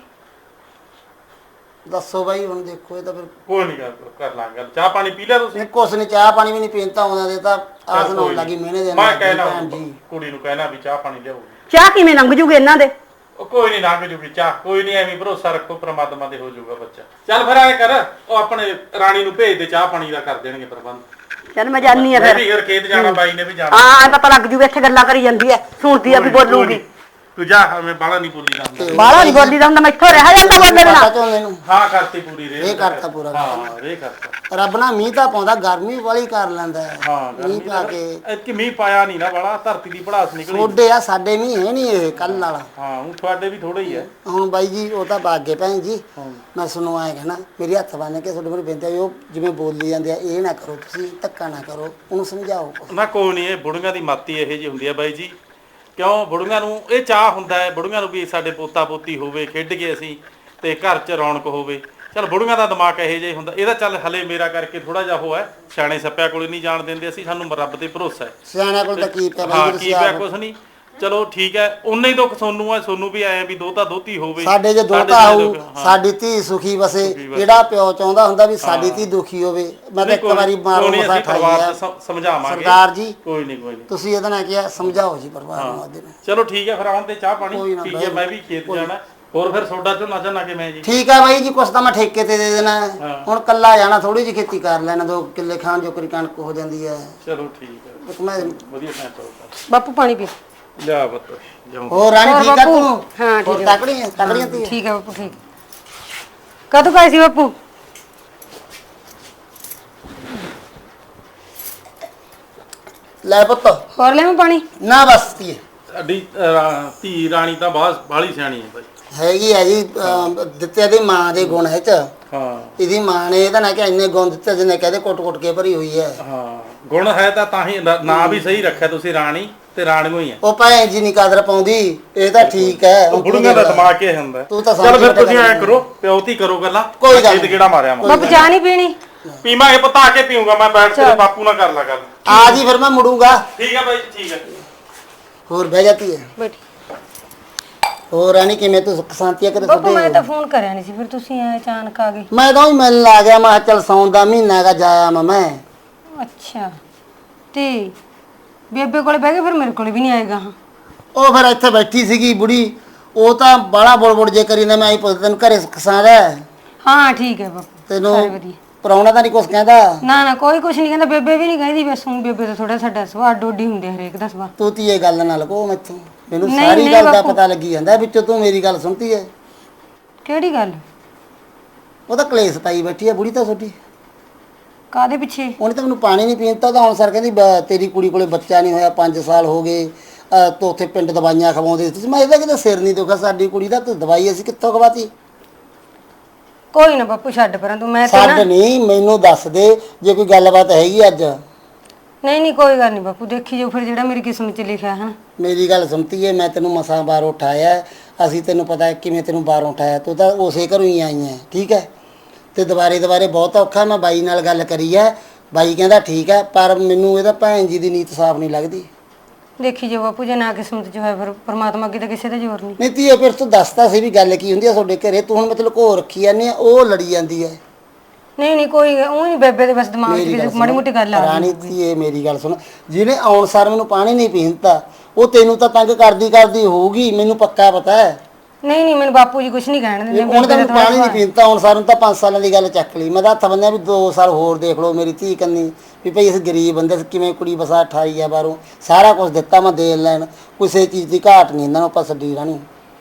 S5: ਦੱਸੋ ਬਾਈ, ਹੁਣ ਦੇਖੋ ਇਹ ਤਾਂ ਫਿਰ
S4: ਕੋਈ ਨਹੀਂ, ਕਰ ਕਰ ਲਾਂਗੇ ਗੱਲ। ਚਾਹ ਪਾਣੀ ਪੀ ਲਿਆ ਤੁਸੀਂ?
S5: ਨਹੀਂ, ਕੁਛ ਨਹੀਂ, ਚਾਹ ਪਾਣੀ ਵੀ ਨਹੀਂ ਪੀਂਦਾ ਉਹਨਾਂ ਦੇ ਤਾਂ ਆਸ
S4: ਚੱਲ
S5: ਨਾਲ
S4: ਕੋਈ
S5: ਲੱਗੀ
S4: ਨੀ।
S5: ਮਿਹਨੇ ਦੇ
S4: ਮੈਂ
S5: ਨਾਲ
S4: ਕਹਿਣਾ
S5: ਭੈਣ ਜੀ।
S4: ਕੁੜੀ ਨੂੰ ਕਹਿਣਾ ਵੀ ਚਾਹ ਪਾਣੀ ਲਿਆਓ।
S2: ਚਾਹ ਕਿਵੇਂ ਲੰਘ ਜੂਗੇ ਇਹਨਾਂ ਦੇ?
S4: ਉਹ ਕੋਈ ਨਹੀਂ, ਲੰਘ ਜੂਗੀ ਚਾਹ, ਕੋਈ ਨਹੀਂ, ਐਵੇਂ ਭਰੋਸਾ ਰੱਖੋ, ਪ੍ਰਮਾਤਮਾ ਤੇ ਹੋ ਜਾਊਗਾ ਬੱਚਾ। ਚੱਲ ਫਿਰ ਐ ਕਰ, ਉਹ ਆਪਣੇ ਰਾਣੀ ਨੂੰ ਭੇਜ ਦੇ, ਚਾਹ ਪਾਣੀ ਦਾ ਕਰ ਦੇਣਗੇ ਪ੍ਰਬੰਧ।
S2: ਚੱਲ ਮੈਂ ਜਾਨੀ ਆ
S4: ਮੈਂ
S2: ਫਿਰ।
S4: ਵੀ ਫਿਰ ਖੇਤ ਜਾਣਾ, ਬਾਈ ਨੇ ਵੀ ਜਾਣਾ।
S2: ਹਾਂ ਐ ਪਤਾ ਲੱਗ ਜੂਗਾ, ਇੱਥੇ ਗੱਲਾਂ ਕਰੀ ਜਾਂਦੀ ਐ, ਸੁਣਦੀ ਆ ਵੀ ਬੋਲੂਗੀ।
S4: ਤੂੰ ਜਾ ਮੈਂ ਬਾਲਾ ਨਹੀਂ ਬੋਲੀ ਜਾਂਦਾ
S2: ਬਾਲਾ ਨਹੀਂ ਬੋਲੀ ਦਾ ਹੁੰਦਾ, ਮੈਥੋਂ ਰਹਿ ਜਾਂਦਾ ਬੋਲਣ
S5: ਪਤਾ
S2: ਨਾਲ।
S5: ਝੋਨੇ ਨੂੰ
S4: ਹਾਂ ਕਰਤੀ ਪੂਰੀ ਰੇ
S5: ਇਹ ਕਰਤਾ ਪੂਰਾ
S4: ਹਾਂ ਰੇ ਕਰਤਾ
S5: ਰੱਬ ਨਾ ਮੀਂਹ ਤਾਂ ਪਾਉਂਦਾ, ਗਰਮੀ ਵਾਲੀ ਕਰ ਲੈਂਦਾ ਹੈ।
S4: ਹਾਂ
S5: ਮੀਂਹ ਪਾ ਕੇ
S4: ਐਤਕੀ ਮੀਂਹ ਪਾਇਆ ਨਹੀਂ ਨਾ ਬਾਲਾ, ਧਰਤੀ ਦੀ ਭੜਾਸ ਨਿਕਲੀ।
S5: ਥੋੜੇ ਆ, ਸਾਡੇ ਮੀਂਹ ਹੈ ਨਹੀਂ ਇਹ ਕੱਲ ਵਾਲਾ।
S4: ਹਾਂ ਹੁਣ ਤੁਹਾਡੇ ਵੀ ਥੋੜਾ ਹੀ ਹੈ।
S5: ਹੁਣ ਬਾਈ ਜੀ ਉਹ ਤਾਂ ਬਾਗੇ ਭੈਣ ਜੀ, ਮੈਂ ਸੁਣੋ ਆਏ ਕਹਿਣਾ, ਮੇਰੀ ਹੱਥ ਬੰਨ ਕੇ ਤੁਹਾਡੇ ਕੋਲ ਬੇਨਤੀ ਹੈ ਵੀ ਉਹ ਜਿਵੇਂ ਬੋਲੀ ਜਾਂਦੇ ਆ ਇਹ ਨਾ ਕਰੋ, ਤੁਸੀਂ ਧੱਕਾ ਨਾ ਕਰੋ, ਉਹਨੂੰ ਸਮਝਾਓ।
S4: ਨਾ ਕੋਈ ਨਹੀਂ, ਇਹ ਬੁੜੀਆਂ ਦੀ ਮਾਤੀ ਇਹੋ ਜਿਹੀ ਹੁੰਦੀ ਆ ਬਾਈ ਜੀ। ਕਿਉਂ ਬੁੜੀਆਂ ਨੂੰ ਇਹ ਚਾਹ ਹੁੰਦਾ ਹੈ, ਬੁੜੀਆਂ ਨੂੰ ਵੀ ਸਾਡੇ ਪੋਤਾ ਪੋਤੀ ਹੋਵੇ, ਖੇਡ ਕੇ ਅਸੀਂ ਤੇ ਘਰ 'ਚ ਰੌਣਕ ਹੋਵੇ। ਚੱਲ ਬੁੜੀਆਂ ਦਾ ਦਿਮਾਗ ਇਹੋ ਜਿਹਾ ਹੁੰਦਾ। ਇਹਦਾ ਚੱਲ ਹਲੇ ਮੇਰਾ ਕਰਕੇ ਥੋੜਾ ਜਿਹਾ ਉਹ ਹੈ, ਸਿਆਣੇ ਸੱਪਿਆਂ ਕੋਲੇ ਨਹੀਂ ਜਾਣ ਦਿੰਦੇ ਅਸੀਂ, ਸਾਨੂੰ ਰੱਬ ਤੇ ਭਰੋਸਾ ਹੈ।
S5: ਸਿਆਣਿਆਂ ਕੋਲ ਤਾਂ ਕੀ ਪਿਆ
S4: ਹਾਂ
S5: ਬਾਈ
S4: ਕੀ
S5: ਤੁਸੀਂ
S4: ਪਿਆ
S5: ਆਪ।
S4: ਕੁਛ ਨਹੀਂ, ਚਲੋ ਠੀਕ ਹੈ। ਉਨਾ ਹੀ ਦੁੱਖ ਸੋਨੂੰ ਹੈ, ਸੋਨੂੰ ਵੀ ਆਇਆ ਵੀ ਦੋਤਾ ਦੋਤੀ ਹੋਵੇ।
S5: ਸਾਡੇ ਜੇ ਦੋਤਾ
S4: ਸਾਡੇ
S5: ਆਊ,
S4: ਦੁੱਖ, ਹਾਂ।
S5: ਸਾਡੀ ਧੀ ਸੁਖੀ ਵਸੇ। ਜਿਹੜਾ ਪਿਓ ਚਾਹੁੰਦਾ ਹੁੰਦਾ ਵੀ ਸਾਡੀ ਧੀ ਦੁਖੀ ਹੋਵੇ। ਮੈਂ ਤਾਂ ਇੱਕ ਵਾਰੀ ਮਾਰੋ
S4: ਕੋਈ ਨੀ,
S5: ਮਸਾ
S4: ਅਸੀਂ
S5: ਠਾਈ
S4: ਪਰਿਵਾਰ
S5: ਹੈ।
S4: ਨੂੰ ਸਮ- ਸਮਝਾਵਾਂਗੇ
S5: ਸਰਦਾਰ ਜੀ
S4: ਕੋਈ ਨਹੀਂ ਕੋਈ ਨਹੀਂ।
S5: ਤੁਸੀਂ ਇਹਦਾ ਨਾ ਕਿਹਾ, ਸਮਝਾਓ ਜੀ ਪਰਿਵਾਰ ਨੂੰ ਆਦੇ ਨੂੰ।
S4: ਚਲੋ ਠੀਕ ਹੈ, ਫਿਰ ਆਉਣ ਤੇ ਚਾਹ
S5: ਕੋਈ
S4: ਪਾਣੀ
S5: ਨਾ
S4: ਠੀਕ ਹੈ।
S5: ਬਾਈ,
S4: ਮੈਂ ਵੀ ਖੇਤ ਜਾਣਾ। ਹੋਰ ਫਿਰ ਸੋਡਾ ਝੋਨਾ ਝੋਨਾ ਕਿਵੇਂ ਜੀ?
S5: ਠੀਕ ਹੈ ਬਾਈ ਜੀ, ਕੁਛ ਤਾਂ ਮੈਂ ਠੇਕੇ ਤੇ ਦੇ ਦੇਣਾ ਹੈ।
S4: ਹਾਂ।
S5: ਹੁਣ ਕੱਲਾ ਜਾਣਾ, ਥੋੜੀ ਜਿਹੀ ਖੇਤੀ ਕਰ ਲੈਣਾ, ਦੋ ਕਿੱਲੇ ਖਾਣ ਜੋਕਰੀ ਕਣਕ ਹੋ ਜਾਂਦੀ ਹੈ।
S4: ਚਲੋ ਠੀਕ ਹੈ,
S5: ਇੱਕ ਮੈਂ
S4: ਵਧੀਆ ਸੈਂਟ ਹੋਊਗਾ।
S1: ਬਾਪੂ ਪਾਣੀ ਪੀ।
S4: ਲਿਆ ਬੱਤ ਜਾਉਂ।
S5: ਹੋਰ ਰਾਣੀ
S1: ਹੋਰ
S5: ਠੀਕ ਆ
S1: ਬਾਪੂ?
S5: ਤੂੰ?
S1: ਹਾਂ, ਠੀਕ
S5: ਹੋਰ
S1: ਹੈ।
S5: ਤਕੜੀ ਹੈ, ਤਕੜੀਆਂ ਤੀ
S1: ਠੀਕ ਹੈ ਬਾਪੂ, ਠੀਕ। ਕਦੋਂ ਗਏ ਸੀ ਬਾਪੂ?
S5: ਲੈ ਪੁੱਤ,
S1: ਹੋਰ ਲੈ ਮੈਂ ਪਾਣੀ?
S5: ਨਾ ਬਸ ਤੀ
S4: ਸਾਡੀ ਅਹ, ਧੀ ਰਾਣੀ ਤਾਂ ਬਾਹਰ ਬਾਹਲੀ ਸਿਆਣੀ ਹੈ ਬਾਈ।
S5: ਹੈਗੀ ਆ ਜੀ। ਅਮ, ਦਿੱਤੇ ਦੀ ਮਾਂ ਦੇ ਗੁਣ ਹੈ ਚ।
S4: ਹਾਂ
S5: ਇਹਦੀ ਮਾਂ ਨੇ ਇਹਦਾ ਨਾ ਕਿ ਇੰਨੇ ਗੁਣ ਦਿੱਤੇ ਜਿਹਨੇ ਕਹਦੇ ਕੁੱਟ ਕੁੱਟ ਕੇ ਭਰੀ ਹੋਈ ਹੈ।
S4: ਹਾਂ ਗੁਣ ਹੈ ਤਾਂ ਤਾਂ ਹੀ ਨ- ਨਾਂ ਵੀ ਸਹੀ ਰੱਖਿਆ ਤੁਸੀਂ, ਰਾਣੀ ਤੇ ਰਾਣੀਓ ਹੀ ਹੈ।
S5: ਉਹ ਭੈਣ ਜੀ ਨਹੀਂ ਕਦਰ ਪਾਉਂਦੀ, ਇਹ ਤਾਂ ਠੀਕ ਹੈ।
S4: ਉਹ ਬੁੜੀਆਂ ਦਾ ਦਿਮਾਗ ਇਹ ਹੁੰਦਾ।
S5: ਤੂੰ ਤਾਂ
S4: ਚਲ ਫਿਰ
S5: ਸਮਝ
S4: ਤੁਸੀਂ ਐ
S5: ਗੱਲ
S4: ਕਰੋ, ਪਿਓਤੀ ਕਰੋ ਗੱਲਾਂ।
S5: ਕੋਈ ਗੱਲ
S4: ਖੇਤ ਕਿਹੜਾ ਮਾਰਿਆ ਮੈਂ
S1: ਬਾਪੂ ਚਾਹ ਨਹੀਂ ਪੀਣੀ?
S4: ਪੀਵਾਂਗੇ ਪਤਾ ਆ ਕੇ ਪੀਊਂਗਾ ਮੈਂ, ਬੈਠ ਕੇ ਬਾਪੂ ਨਾਲ ਕਰ ਲਾ ਗੱਲ।
S5: ਆ ਜੀ ਫਿਰ ਮੈਂ ਮੁੜੂੰਗਾ।
S4: ਠੀਕ ਹੈ ਬਾਈ, ਠੀਕ ਹੈ।
S5: ਹੋਰ ਬਹਿ ਜਾਤੀ ਹੈ।
S1: ਬੈਠੀ।
S5: ਹੋਰ ਰਾਣੀ ਕਿਵੇਂ ਤੂੰ ਸੁੱਖ ਸ਼ਾਂਤੀ ਕਰੇ
S1: ਬਾਪੂ ਮੈਂ
S5: ਸੁਦੇ?
S1: ਤਾਂ ਫੋਨ ਕਰਿਆ ਨਹੀਂ ਸੀ, ਫਿਰ ਤੁਸੀਂ ਐ ਅਚਾਨਕ ਆ ਗਏ।
S5: ਮੈਂ ਤਾਂ ਹੀ ਮਿਲਣ ਲੱਗ ਗਿਆ। ਮੈਂ ਕਿਹਾ ਚੱਲ ਸੌਣ ਦਾ ਮਹੀਨਾ ਹੈਗਾ, ਜਾਇਆ ਮੈਂ ਮੈਂ
S1: ਅੱਛਾ, ਤੇ ਬੇਬੇ ਕੋਲੇ ਬਹਿ ਗਏ, ਫਿਰ ਮੇਰੇ ਕੋਲੇ ਵੀ ਨਹੀਂ ਆਏਗਾ। ਹਾਂ
S5: ਉਹ ਫਿਰ ਇੱਥੇ ਬੈਠੀ ਸੀਗੀ ਬੁੜੀ, ਉਹ ਤਾਂ ਬਾਲਾ ਬੋਲ ਬੋਲ ਜੇ ਕਰੀ ਨਾ। ਮੈਂ ਆਈ ਪੁੱਛ ਤੈਨੂੰ ਘਰੇ ਸੁੱਖ ਸਾਂਦ ਹੈ?
S1: ਹਾਂ ਠੀਕ ਹੈ ਬਾਪੂ,
S5: ਤੈਨੂੰ
S1: ਸਾਰੇ ਵਧੀਆ।
S5: ਪ੍ਰਾਹੁਣਾ ਤਾਂ ਨਹੀਂ ਕੁਛ ਕਹਿੰਦਾ?
S1: ਨਾ ਨਾ ਕੋਈ ਕੁਛ ਨਹੀਂ ਕਹਿੰਦਾ, ਬੇਬੇ ਵੀ ਨਹੀਂ ਕਹਿੰਦੀ। ਬਸ ਹੁਣ ਬੇਬੇ ਤਾਂ ਥੋੜਾ ਸਾਡਾ ਸੁਭਾਅ ਡੋਡੀ ਹੁੰਦੇ ਹਰੇਕ ਦਾ ਸੁਭਾਅ।
S5: ਤੂੰ ਤੀ ਇਹ ਗੱਲ ਨਾ ਲਗੋ ਮੈਥੋਂ, ਮੈਨੂੰ
S1: ਨਹੀਂ,
S5: ਸਾਰੀ
S1: ਨਹੀਂ
S5: ਗੱਲ ਦਾ
S1: ਬਾਪੂ।
S5: ਪਤਾ ਲੱਗੀ ਜਾਂਦਾ ਵਿੱਚੋਂ ਤੂੰ ਮੇਰੀ ਗੱਲ ਸੁਣਤੀ ਹੈ।
S1: ਕਿਹੜੀ ਗੱਲ?
S5: ਉਹ ਤਾਂ ਕਲੇਸ਼ ਪਾਈ ਬੈਠੀ ਹੈ ਬੁੜੀ ਤਾਂ ਛੋਟੀ।
S1: ਕਾਦੇ ਪਿੱਛੇ?
S5: ਉਹਨੇ ਤਾਂ ਮੈਨੂੰ ਪਾਣੀ ਨਹੀਂ ਪੀਣ ਦਿੱਤਾ। ਤਾਂ ਹੁਣ ਸਰ ਕਹਿੰਦੀ ਬ- ਤੇਰੀ ਕੁੜੀ ਕੋਲੇ ਬੱਚਾ ਨਹੀਂ ਹੋਇਆ, ਪੰਜ ਸਾਲ ਹੋ ਗਏ, ਅਹ ਤੂੰ ਉੱਥੇ ਪਿੰਡ ਦਵਾਈਆਂ ਖਵਾਉਂਦੇ ਸੀ। ਮੈਂ ਇਹਦਾ ਕਿਤੇ ਸਿਰ ਨਹੀਂ ਦੁਖਾ, ਸਾਡੀ ਕੁੜੀ ਦਾ ਤੂੰ ਦਵਾਈ ਅਸੀਂ ਕਿੱਥੋਂ ਖਵਾਤੀ?
S1: ਕੋਈ ਨਾ ਬਾਪੂ ਛੱਡ ਪਰਾਂ ਤੂੰ। ਮੈਂ ਤੇ
S5: ਛੱਡ
S1: ਨਾ
S5: ਨਹੀਂ, ਮੈਨੂੰ ਦੱਸ ਦੇ ਜੇ ਕੋਈ ਗੱਲਬਾਤ ਹੈਗੀ ਅੱਜ।
S1: ਨਹੀਂ ਨਹੀਂ ਕੋਈ ਗੱਲ ਨਹੀਂ ਬਾਪੂ, ਦੇਖੀ ਜੋ ਫਿਰ ਜਿਹੜਾ ਮੇਰੀ ਕਿਸਮਤ 'ਚ ਲਿਖਿਆ ਹੈ ਨਾ।
S5: ਮੇਰੀ ਗੱਲ ਸੁਣਤੀ ਹੈ, ਮੈਂ ਤੈਨੂੰ ਮਸਾਂ ਬਾਹਰੋਂ ਉਠਾਇਆ। ਅਸੀਂ ਤੈਨੂੰ ਪਤਾ ਹੈ ਕਿਵੇਂ ਤੈਨੂੰ ਬਾਹਰੋਂ ਉਠਾਇਆ, ਤੂੰ ਤਾਂ ਉਸੇ ਘਰੋਂ ਹੀ ਆਈ ਹੈ। ਠੀਕ ਹੈ, ਤੇ ਦੁਬਾਰੇ ਦੁਬਾਰੇ ਬਹੁਤ ਔਖਾ। ਮੈਂ ਬਾਈ ਨਾਲ ਗੱਲ ਕਰੀ ਹੈ, ਬਾਈ ਕਹਿੰਦਾ ਠੀਕ ਹੈ, ਪਰ ਮੈਨੂੰ ਇਹਦਾ ਭੈਣ ਜੀ ਦੀ ਨੀਤ ਸਾਫ਼ ਨਹੀਂ ਲੱਗਦੀ।
S1: ਦੇਖੀ ਜੋ ਬਾਪੂ, ਜੇ ਨਾ ਕਿਸਮਤ 'ਚ ਹੋਇਆ ਫਿਰ ਪਰਮਾਤਮਾ ਅੱਗੇ ਤਾਂ ਕਿਸੇ ਦਾ ਜ਼ੋਰ ਨਹੀਂ।
S5: ਨਹੀਂ ਧੀਏ, ਫਿਰ ਤੂੰ ਦੱਸਦਾ ਸੀ ਵੀ ਗੱਲ ਕੀ ਹੁੰਦੀ ਆ ਤੁਹਾਡੇ ਘਰੇ। ਤੂੰ ਹੁਣ ਮਤਲਬ ਘੋ ਰੱਖੀ ਜਾਂਦੀ ਆ, ਉਹ ਲੜੀ ਜਾਂਦੀ ਹੈ।
S1: ਨਹੀਂ ਨਹੀਂ ਕੋਈ ਉਹ ਨਹੀਂ, ਬੇਬੇ ਦੇ ਬਸ ਦਿਮਾਗ 'ਚ ਵੀ ਮਾੜੀ ਮੋਟੀ ਗੱਲ ਆ
S5: ਰਾਣੀ ਧੀਏ ਮੇਰੀ ਗੱਲ ਸੁਣ, ਜਿਹਨੇ ਆਉਣ ਸਾਰ ਮੈਨੂੰ ਪਾਣੀ ਨਹੀਂ ਪੀਣ ਦਿੱਤਾ, ਉਹ ਤੈਨੂੰ ਤਾਂ ਤੰਗ ਕਰਦੀ ਕਰਦੀ ਹੋਊਗੀ, ਮੈਨੂੰ ਪੱਕਾ ਪਤਾ ਹੈ।
S1: ਨਹੀਂ ਨਹੀਂ ਮੈਨੂੰ ਬਾਪੂ ਜੀ ਕੁਛ ਨਹੀਂ ਕਹਿਣ ਦਿੰਦੇ।
S5: ਉਹਨੇ ਤਾਂ ਮੈਨੂੰ ਪਾਣੀ ਨਹੀਂ ਪੀਣ ਦਿੱਤਾ। ਹੁਣ ਸਾਰ ਨੂੰ ਤਾਂ ਪੰਜ ਸਾਲਾਂ ਦੀ ਗੱਲ ਚੱਕ ਲਈ। ਮੈਂ ਤਾਂ ਹੱਥ ਬੰਨਿਆ ਵੀ ਦੋ ਸਾਲ ਹੋਰ ਦੇਖ ਲਓ ਮੇਰੀ ਧੀ ਕੰਨੀ, ਵੀ ਭਈ ਅਸੀਂ ਗਰੀਬ ਬੰਦੇ, ਕਿਵੇਂ ਕੁੜੀ ਵਸਾ ਠਾਈ ਆ ਬਾਹਰੋਂ, ਸਾਰਾ ਕੁਝ ਦਿੱਤਾ ਮੈਂ ਦੇ ਲੈਣ, ਕਿਸੇ ਚੀਜ਼ ਦੀ ਘਾਟ ਨਹੀਂ ਇਹਨਾਂ ਨੂੰ ਆਪਾਂ ਛੱਡੀ ਰਾਣੀ।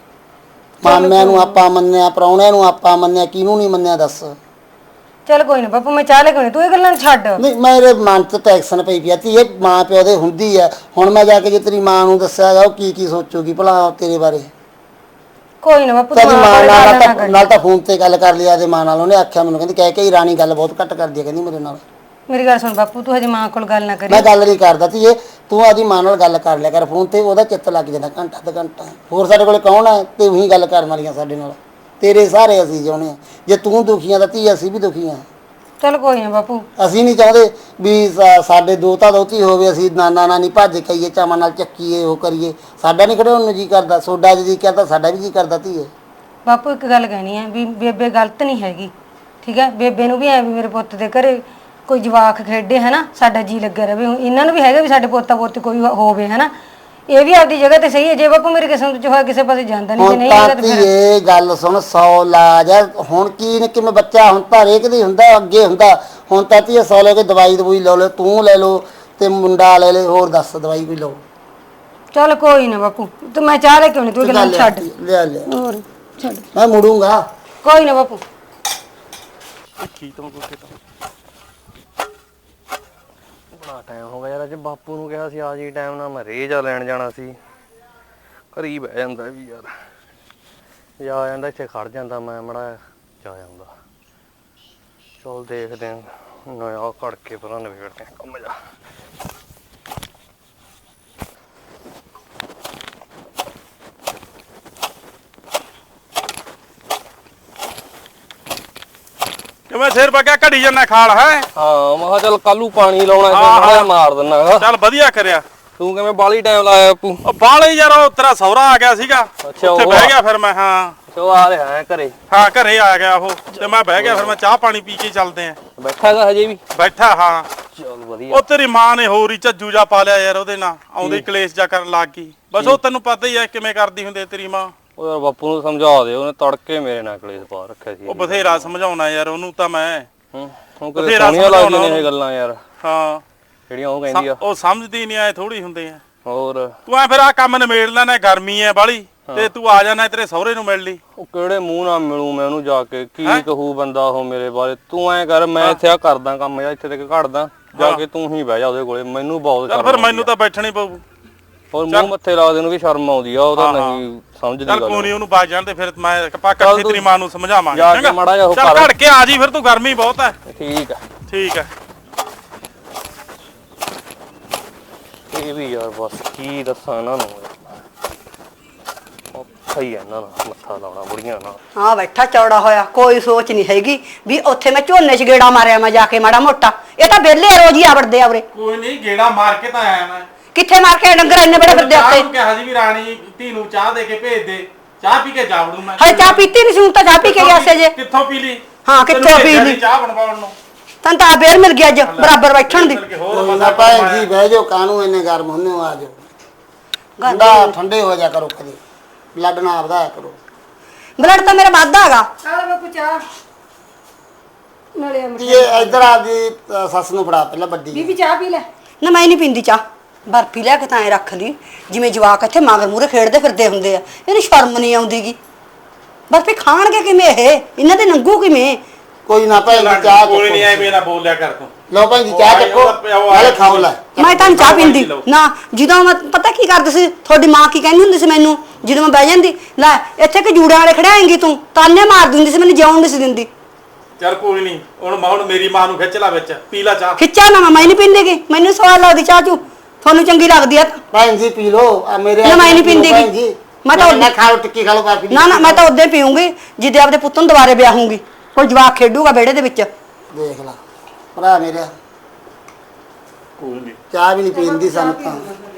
S5: ਮਾਮਿਆਂ ਨੂੰ ਆਪਾਂ ਮੰਨਿਆ, ਪ੍ਰਾਹੁਣਿਆਂ ਨੂੰ ਆਪਾਂ ਮੰਨਿਆ, ਕਿਹਨੂੰ ਨਹੀਂ ਮੰਨਿਆ ਦੱਸ?
S1: ਚੱਲ ਕੋਈ ਨਾ ਬਾਪੂ, ਮੈਂ ਚਾਹ ਲੈ ਕੇ ਆਉਣੀ, ਤੂੰ ਇਹ ਗੱਲਾਂ ਨੂੰ ਛੱਡ।
S5: ਨਹੀਂ, ਮੇਰੇ ਮਨ 'ਚ ਟੈਕਸ਼ਨ ਪਈ ਪਈ ਆ ਧੀਏ, ਮਾਂ ਪਿਓ ਦੇ ਹੁੰਦੀ ਆ। ਹੁਣ ਮੈਂ ਜਾ ਕੇ ਜੇ ਤੇਰੀ ਮਾਂ ਨੂੰ ਦੱਸਿਆ ਉਹ ਕੀ ਕੀ ਸੋਚੂਗੀ ਭਲਾ ਤੇਰੇ ਬਾਰੇ?
S1: ਕੋਈ ਨਾ ਬਾਪੂ,
S5: ਤੇਰੀ
S1: ਤੂੰ
S5: ਮਾਂ
S1: ਆਪ
S5: ਨਾਲ
S1: ਗੱਲ ਨਾ
S5: ਤਾਂ
S1: ਕਰੀ।
S5: ਨਾਲ ਤਾਂ ਫੋਨ ਤੇ ਗੱਲ ਕਰ ਲਿਆ ਤੇ ਮਾਂ ਨਾਲ। ਉਹਨੇ ਆਖਿਆ ਮੈਨੂੰ, ਕਹਿੰਦੀ ਕਹਿ ਕੇ ਹੀ ਰਾਣੀ ਗੱਲ ਬਹੁਤ ਘੱਟ ਕਰਦੀ ਆ, ਕਹਿੰਦੀ ਮੇਰੇ ਨਾਲ।
S1: ਮੇਰੀ ਗੱਲ ਸੁਣ ਬਾਪੂ, ਤੂੰ ਹਜੇ ਮਾਂ ਕੋਲ ਗੱਲ ਨਾ ਕਰੀ।
S5: ਮੈਂ ਗੱਲ ਨਹੀਂ ਕਰਦਾ ਧੀਏ, ਤੂੰ ਆਦੀ ਮਾਂ ਨਾਲ ਗੱਲ ਕਰ ਲਿਆ ਕਰ ਫੋਨ ਤੇ, ਉਹਦਾ ਚਿੱਤ ਲੱਗ ਜਾਂਦਾ ਘੰਟਾ ਅੱਧਾ ਘੰਟਾ। ਹੋਰ ਸਾਡੇ ਕੋਲੇ ਕੌਣ ਹੈ ਤੇ ਉਹੀ ਗੱਲ ਕਰਨ ਵਾਲੀਆਂ ਸਾਡੇ ਨਾਲ? ਤੇਰੇ ਸਾਰੇ ਅਸੀਂ ਚਾਹੁੰਦੇ ਹਾਂ, ਜੇ ਤੂੰ ਦੁਖੀ ਆ ਤਾਂ ਧੀ ਅਸੀਂ ਵੀ ਦੁਖੀ ਹਾਂ।
S1: ਚੱਲ ਕੋਈ ਨਾ ਬਾਪੂ,
S5: ਅਸੀਂ ਨਹੀਂ ਚਾਹੁੰਦੇ ਵੀ ਸਾ- ਸਾਡੇ ਦੋਤਾ ਦੋਤੀ ਹੋਵੇ, ਅਸੀਂ ਨਾਨਾ ਨਾਨੀ ਭੱਜ ਕਹੀਏ, ਚਾਵਾਂ ਨਾਲ ਚੱਕੀਏ, ਉਹ ਕਰੀਏ। ਸਾਡਾ ਨਹੀਂ ਖੜਾਉਣ ਨੂੰ ਜੀ ਕਰਦਾ, ਸੋਡਾ ਜੀ ਕਰਦਾ, ਸਾਡਾ ਵੀ ਜੀ ਕਰਦਾ ਧੀਏ।
S1: ਬਾਪੂ ਇੱਕ ਗੱਲ ਕਹਿਣੀ ਹੈ ਵੀ ਬੇਬੇ ਗਲਤ ਨਹੀਂ ਹੈਗੀ, ਠੀਕ ਹੈ। ਬੇਬੇ ਨੂੰ ਵੀ ਐ ਵੀ ਮੇਰੇ ਪੁੱਤ ਦੇ ਘਰੇ ਕੋਈ ਜਵਾਕ ਖੇਡੇ ਹੈ ਨਾ, ਸਾਡਾ ਜੀ ਲੱਗਿਆ ਰਵੇ। ਇਹਨਾਂ ਨੂੰ ਵੀ ਹੈਗਾ ਵੀ ਸਾਡੇ ਪੋਤਾ ਪੋਤੀ ਕੋਈ ਹੋਵੇ ਹੈ ਨਾ। ਇਹ ਵੀ ਆਪਦੀ ਜਗ੍ਹਾ ਤੇ ਸਹੀ ਹੈ। ਜੇ ਬਾਪੂ ਮੇਰੀ ਕਿਸਮਤ 'ਚ ਹੋਇਆ, ਕਿਸੇ ਪਾਸੇ ਜਾਂਦਾ ਨਹੀਂ, ਜੇ
S5: ਹੁਣ
S1: ਨਹੀਂ
S5: ਤਾਂ
S1: ਹੈਗਾ ਤੇ ਫਿਰ
S5: ਧੀਏ ਗੱਲ ਸੁਣ, ਸੌ ਲਾਜ ਹੈ। ਹੁਣ ਕੀ ਨੇ ਕਿਵੇਂ ਬੱਚਾ, ਹੁਣ ਤਾਂ ਹਰੇਕ ਦੀ ਹੁੰਦਾ, ਅੱਗੇ ਹੁੰਦਾ। ਹੁਣ ਤਾਂ ਧੀਏ ਸੌ ਲੈ ਕੇ ਦਵਾਈ ਦਵਾਈ ਲਓ, ਲੈ ਤੂੰ ਲੈ ਲਓ ਤੇ ਮੁੰਡਾ ਲੈ ਲੈ, ਹੋਰ ਦੱਸ ਦਵਾਈ ਵੀ ਲਓ।
S1: ਚੱਲ ਕੋਈ ਨਾ ਬਾਪੂ ਤੂੰ ਮੈਂ ਚਾਹ ਲੈ ਕਿਉਂ ਨਹੀਂ ਤੂੰ ਗੱਲਾਂ ਛੱਡ
S5: ਲਿਆ ਲਿਆ
S1: ਹੋਰ ਛੱਡ
S5: ਮੈਂ ਮੁੜੂੰਗਾ।
S1: ਕੋਈ ਨਾ ਬਾਪੂ
S3: ਕੀ ਤੋਂ ਕੋਈ ਤਾਂ ਬੜਾ ਟਾਈਮ ਹੋ ਗਿਆ ਯਾਰ। ਅੱਜ ਬਾਪੂ ਨੂੰ ਕਿਹਾ ਸੀ ਆ ਜੀ ਟਾਈਮ ਨਾਲ, ਮੈਂ ਰੇਜਾ ਲੈਣ ਜਾਣਾ ਸੀ। ਘਰੀ ਬਹਿ ਜਾਂਦਾ ਵੀ ਯਾਰ, ਜਾ ਆ ਜਾਂਦਾ ਇੱਥੇ ਖੜ ਜਾਂਦਾ, ਮੈਂ ਮੜਾ ਜਾ ਜਾਂਦਾ। ਚਲ ਦੇਖਦੇ ਆਂ ਨया ਘੜ ਕੇ ਪਰਾਂ ਨਵੇੜਦੇ ਆਂ ਕੰਮ ਜਾ।
S4: ਕਿਵੇਂ ਸਿਰ ਪੱਕਿਆ ਘੜੀ ਜੰਨਾ ਖਾਲ ਹੈ?
S3: ਹਾਂ ਮੈਂ ਕਿਹਾ ਚੱਲ ਕੱਲੂ ਪਾਣੀ ਲਾਉਣਾ ਸੀ, ਮਾੜਾ ਮਾਰ ਦਿੰਨਾ।
S4: ਚੱਲ ਵਧੀਆ ਕਰਿਆ।
S3: ਤੂੰ ਕਿਵੇਂ ਬਾਲੀ ਟਾਈਮ ਲਾਇਆ ਬਾਪੂ?
S4: ਉਹ ਬਾਲੇ ਯਾਰ ਉਹ ਤੇਰਾ ਸਹੁਰਾ ਆ ਗਿਆ ਸੀਗਾ,
S3: ਅੱਛਾ,
S4: ਉੱਥੇ
S3: ਉਹ
S4: ਬਹਿ
S3: ਆ-
S4: ਗਿਆ ਫਿਰ ਮੈਂ। ਹਾਂ
S3: ਚੋ ਆ ਰਿਹਾ ਹੈ ਘਰੇ।
S4: ਹਾਂ ਘਰੇ ਆ ਗਿਆ ਉਹ, ਤੇ ਮੈਂ ਬਹਿ ਗਿਆ ਫਿਰ। ਮੈਂ ਚਾਹ ਪਾਣੀ ਪੀ ਕੇ ਚੱਲਦੇ ਆਂ।
S3: ਬੈਠਾ ਗਾ ਹਜੇ ਵੀ?
S4: ਬੈਠਾ ਹਾਂ।
S3: ਚਲ ਵਧੀਆ।
S4: ਉਹ ਤੇਰੀ ਮਾਂ ਨੇ ਹੋਰ ਹੀ ਝੱਜੂ ਜਾ ਪਾ ਲਿਆ ਯਾਰ ਉਹਦੇ ਨਾਲ, ਆਉਂਦੇ ਹੀ ਕਲੇਸ਼ ਜਾ ਕਰਨ ਲੱਗ ਗਈ। ਬਸ ਉਹ ਤੈਨੂੰ ਪਤਾ ਹੀ ਐ ਕਿਵੇਂ ਕਰਦੀ ਹੁੰਦੀ ਆ ਤੇਰੀ ਮਾਂ।
S3: ਉਹ ਯਾਰ ਬਾਪੂ ਨੂੰ ਸਮਝਾ ਦੇ, ਉਹਨੇ ਤੜਕੇ ਮੇਰੇ ਨਾਲ ਕਲੇਸ਼ ਪਾ ਰੱਖਿਆ ਸੀ।
S4: ਉਹ ਬਥੇਰਾ ਸਮਝਾਉਣਾ ਯਾਰ ਉਹਨੂੰ ਤਾਂ ਮੈਂ।
S3: ਹੂੰ ਉਹ ਕਿਤੇ ਸੋਹਣੀਆਂ ਲੱਗਦੀਆਂ ਨੇ ਇਹ ਗੱਲਾਂ ਯਾਰ,
S4: ਹਾਂ
S3: ਜਿਹੜੀਆਂ ਉਹ ਕਹਿੰਦੀ ਆ।
S4: ਉਹ ਸਮਝਦੀ ਨਹੀਂ ਐ, ਥੋੜੀ ਹੁੰਦੇ ਆ।
S3: ਹੋਰ
S4: ਤੂੰ ਐ ਫਿਰ ਆ ਕੰਮ ਨਿਬੇੜ ਲੈਣਾ, ਗਰਮੀ ਐ ਬਾਲੀ, ਤੇ ਤੂੰ ਆ ਜਾਣਾ ਤੇਰੇ ਸਹੁਰੇ ਨੂੰ ਮਿਲ ਲਈ।
S3: ਉਹ ਕਿਹੜੇ ਮੂੰਹ ਨਾਲ ਮਿਲੂ ਮੈਂ ਉਹਨੂੰ ਜਾ ਕੇ? ਕੀ ਕਹੂ ਬੰਦਾ ਉਹ ਮੇਰੇ ਬਾਰੇ? ਤੂੰ ਐ ਕਰ, ਮੈਂ ਇੱਥੇ ਆ ਕਰਦਾ ਕੰਮ ਜਾਂ ਇੱਥੇ ਤੱਕ ਘੜਦਾ, ਜਾ ਕੇ ਤੂੰ ਹੀ ਬਹਿ ਜਾ ਉਹਦੇ ਕੋਲੇ। ਮੈਨੂੰ ਬਹੁਤ
S4: ਚੱਲ ਫਿਰ ਮੈਨੂੰ ਤਾਂ ਬੈਠਣੀ ਪਊ।
S3: ਹੋਰ ਮੂੰਹ ਮੱਥੇ ਲੱਗਦੇ ਨੂੰ ਵੀ ਸ਼ਰਮ ਆਉਂਦੀ ਆ, ਉਹ ਤਾਂ ਨਹੀਂ ਸਮਝਦੀ
S4: ਚੱਲ
S3: ਗੱਲ।
S4: ਕੋਈ ਨਹੀਂ, ਉਹਨੂੰ ਬਾਜ ਜਾਣ ਤੇ ਫਿਰ ਮੈਂ ਆਪਾਂ ਇਕੱਠੇ ਤੇਰੀ ਮਾਂ ਨੂੰ ਸਮਝਾਵਾਂਗੇ।
S3: ਜਾ ਕੇ ਮਾੜਾ ਜਿਹਾ ਉਹ
S4: ਚੱਲ
S3: ਕਰ।
S4: ਘੜ ਕੇ ਆ ਜੀ ਫਿਰ, ਤੂੰ ਗਰਮੀ ਬਹੁਤ ਐ।
S3: ਠੀਕ ਆ
S4: ਠੀਕ ਐ।
S3: ਇਹ ਵੀ ਯਾਰ ਬਸ ਕੀ ਦੱਸਾਂ ਇਹਨਾਂ ਨੂੰ, ਔਖਾ ਹੀ ਆ ਇਹਨਾਂ ਨਾਲ ਮੱਥਾ ਲਾਉਣਾ ਬੁੜੀਆਂ ਨਾਲ।
S2: ਹਾਂ ਬੈਠਾ ਚੌੜਾ ਹੋਇਆ, ਕੋਈ ਸੋਚ ਨਹੀਂ ਹੈਗੀ ਵੀ ਉੱਥੇ ਮੈਂ ਝੋਨੇ 'ਚ ਗੇੜਾ ਮਾਰਿਆ ਮੈਂ ਜਾ ਕੇ ਮਾੜਾ ਮੋਟਾ। ਇਹ ਤਾਂ ਵਿਹਲੇ ਆ, ਰੋਜ਼ ਹੀ ਆਵੜਦੇ ਆ ਉਰੇ।
S4: ਕੋਈ ਨਹੀਂ, ਗੇੜਾ ਮਾਰ ਕੇ ਤਾਂ ਆਇਆ ਮੈਂ।
S2: ਕਿੱਥੇ ਮਾਰ ਕੇ ਡੰਗਰ ਇੰਨੇ ਬੜੇ ਫਿਰਦੇ ਉੱਤੇ?
S4: ਤੂੰ ਕਿਹਾ ਸੀ ਵੀ ਰਾਣੀ ਧੀ ਨੂੰ ਚਾਹ ਦੇ ਕੇ ਭੇਜ ਦੇ, ਚਾਹ ਪੀ ਕੇ ਜਾਵੜੂ ਮੈਂ।
S2: ਹਜੇ ਚਾਹ ਪੀਤੀ ਨਹੀਂ ਸੀ, ਹੁਣ ਤਾਂ ਚਾਹ ਪੀ ਕੇ ਗਿਆ ਸੀ ਜੇ।
S4: ਕਿੱਥੋਂ ਪੀ ਲਈ?
S2: ਹਾਂ ਕਿੱਥੋਂ ਪੀ ਲਈ?
S4: ਚਾਹ ਬਣਵਾਉਣ ਨੂੰ
S2: ਤੈਨੂੰ ਤਾਂ ਬੇਰ ਮਿਲ ਗਿਆ ਅੱਜ ਬਰਾਬਰ ਬੈਠਣ ਦੀ।
S5: ਕੋਈ ਨਾ ਭੈਣ ਜੀ ਬਹਿ ਜਾਓ, ਕਾਹਨੂੰ ਇੰਨੇ ਗਰਮ ਹੁੰਦੇ ਹੋ, ਆ ਜਾਓ। ਠੰਡਾ ਠੰਡੇ ਹੋ ਜਾ ਕਰੋ, ਕਦੇ ਬਲੱਡ ਨਾ ਵਧਾਇਆ ਕਰੋ।
S2: ਬਲੱਡ ਤਾਂ ਮੇਰਾ ਵੱਧਦਾ ਹੈਗਾ।
S1: ਚੱਲ ਬਾਪੂ ਚਾਹ ਨਾਲੇ ਅਮਰ
S5: ਇਹ ਇੱਧਰ ਆਪਦੀ ਅ, ਸੱਸ ਨੂੰ ਫੜਾ ਪਹਿਲਾਂ ਵੱਡੀ।
S1: ਬੀਬੀ ਚਾਹ ਪੀ ਲੈ।
S2: ਨਾ ਮੈਂ ਨਹੀਂ ਪੀਂਦੀ ਚਾਹ, ਬਰਫੀ ਲਿਆ ਕੇ ਤਾਂ ਐ ਰੱਖ ਲਈ ਜਿਵੇਂ ਜਵਾਕ ਇੱਥੇ ਮਗਰ ਮੂਰੇ ਖੇਡਦੇ ਫਿਰਦੇ ਹੁੰਦੇ ਆ। ਇਹਨੂੰ ਸ਼ਰਮ ਨਹੀਂ ਆਉਂਦੀਗੀ। ਬਰਫੀ ਖਾਣਗੇ ਕਿਵੇਂ ਇਹ? ਇਹਨਾਂ ਦੇ ਨੰਗੂ ਕਿਵੇਂ?
S5: ਕੋਈ ਨਾ ਭੈਣ ਜੀ ਚਾਹ
S4: ਕੋਈ ਨਹੀਂ,
S5: ਚੱਕੋ।
S4: ਐਵੇਂ ਨਾ ਬੋਲਿਆ ਕਰ ਤੂੰ।
S5: ਲਓ ਭੈਣ ਜੀ ਚਾਹ ਚੱਕੋ, ਨਾਲੇ ਖਾਓ ਲੈ।
S2: ਮੈਂ ਤਾਂ ਨੀ ਚਾਹ ਪੀਂਦੀ ਨਾ। ਜਦੋਂ ਮੈਂ ਪਤਾ ਕੀ ਕਰਦੀ ਸੀ, ਤੁਹਾਡੀ ਮਾਂ ਕੀ ਕਹਿੰਦੀ ਹੁੰਦੀ ਸੀ ਮੈਨੂੰ ਜਦੋਂ ਮੈਂ ਬਹਿ ਜਾਂਦੀ, ਲੈ ਇੱਥੇ ਕਿ ਜੂੜਿਆਂ ਵਾਲੇ ਖੜਾਏਂਗੀ ਤੂੰ, ਤਾਨੇ ਮਾਰ ਦਿੰਦੀ ਸੀ, ਮੈਨੂੰ ਜਿਉਣ ਨਹੀਂ ਸੀ ਦਿੰਦੀ।
S4: ਚੱਲ ਕੋਈ ਨਹੀਂ, ਹੁਣ ਹੁਣ ਮੇਰੀ ਮਾਂ ਨੂੰ ਖਿੱਚ ਲਾ ਵਿੱਚ, ਪੀ ਲੈ ਚਾਹ।
S2: ਖਿੱਚਾ ਨਾ, ਮੈਂ ਨਹੀਂ ਪੀਂਦੀਗੀ, ਮੈਨੂੰ ਸਵਾਦ ਲੱਗਦੀ ਚਾਹ ਚੂ। ਤੁਹਾਨੂੰ ਚੰਗੀ ਲੱਗਦੀ ਆ ਤਾਂ।
S5: ਭੈਣ ਜੀ ਪੀ ਲਓ, ਆ ਮੇਰੇ
S2: ਨਾ ਮੈਂ ਨਹੀਂ ਪੀਂਦੀ
S5: ਭੈਣ ਜੀ।
S2: ਮੈਂ ਤਾਂ
S5: ਨਾ ਖਾਓ, ਟਿੱਕੀ ਖਾ ਲਓ ਬਾਕੀ।
S2: ਨਾ ਨਾ ਮੈਂ ਤਾਂ ਉਦੋਂ ਪੀਉਂਗੀ ਜਿੱਦੇ ਆਪਦੇ ਪੁੱਤ ਨੂੰ ਦੁਬਾਰੇ ਵਿਆਹੂੰਗੀ, ਕੋਈ ਜਵਾਕ ਖੇਡੂਗਾ ਵਿਹੜੇ ਦੇ ਵਿੱਚ।
S5: ਦੇਖ ਲਾ ਭਰਾ ਮੇਰਾ,
S4: ਕੋਈ ਨਹੀਂ,
S5: ਚਾਹ ਵੀ ਨਹੀਂ ਪੀਂਦੀ ਸਾਨੂੰ ਤਾਂ।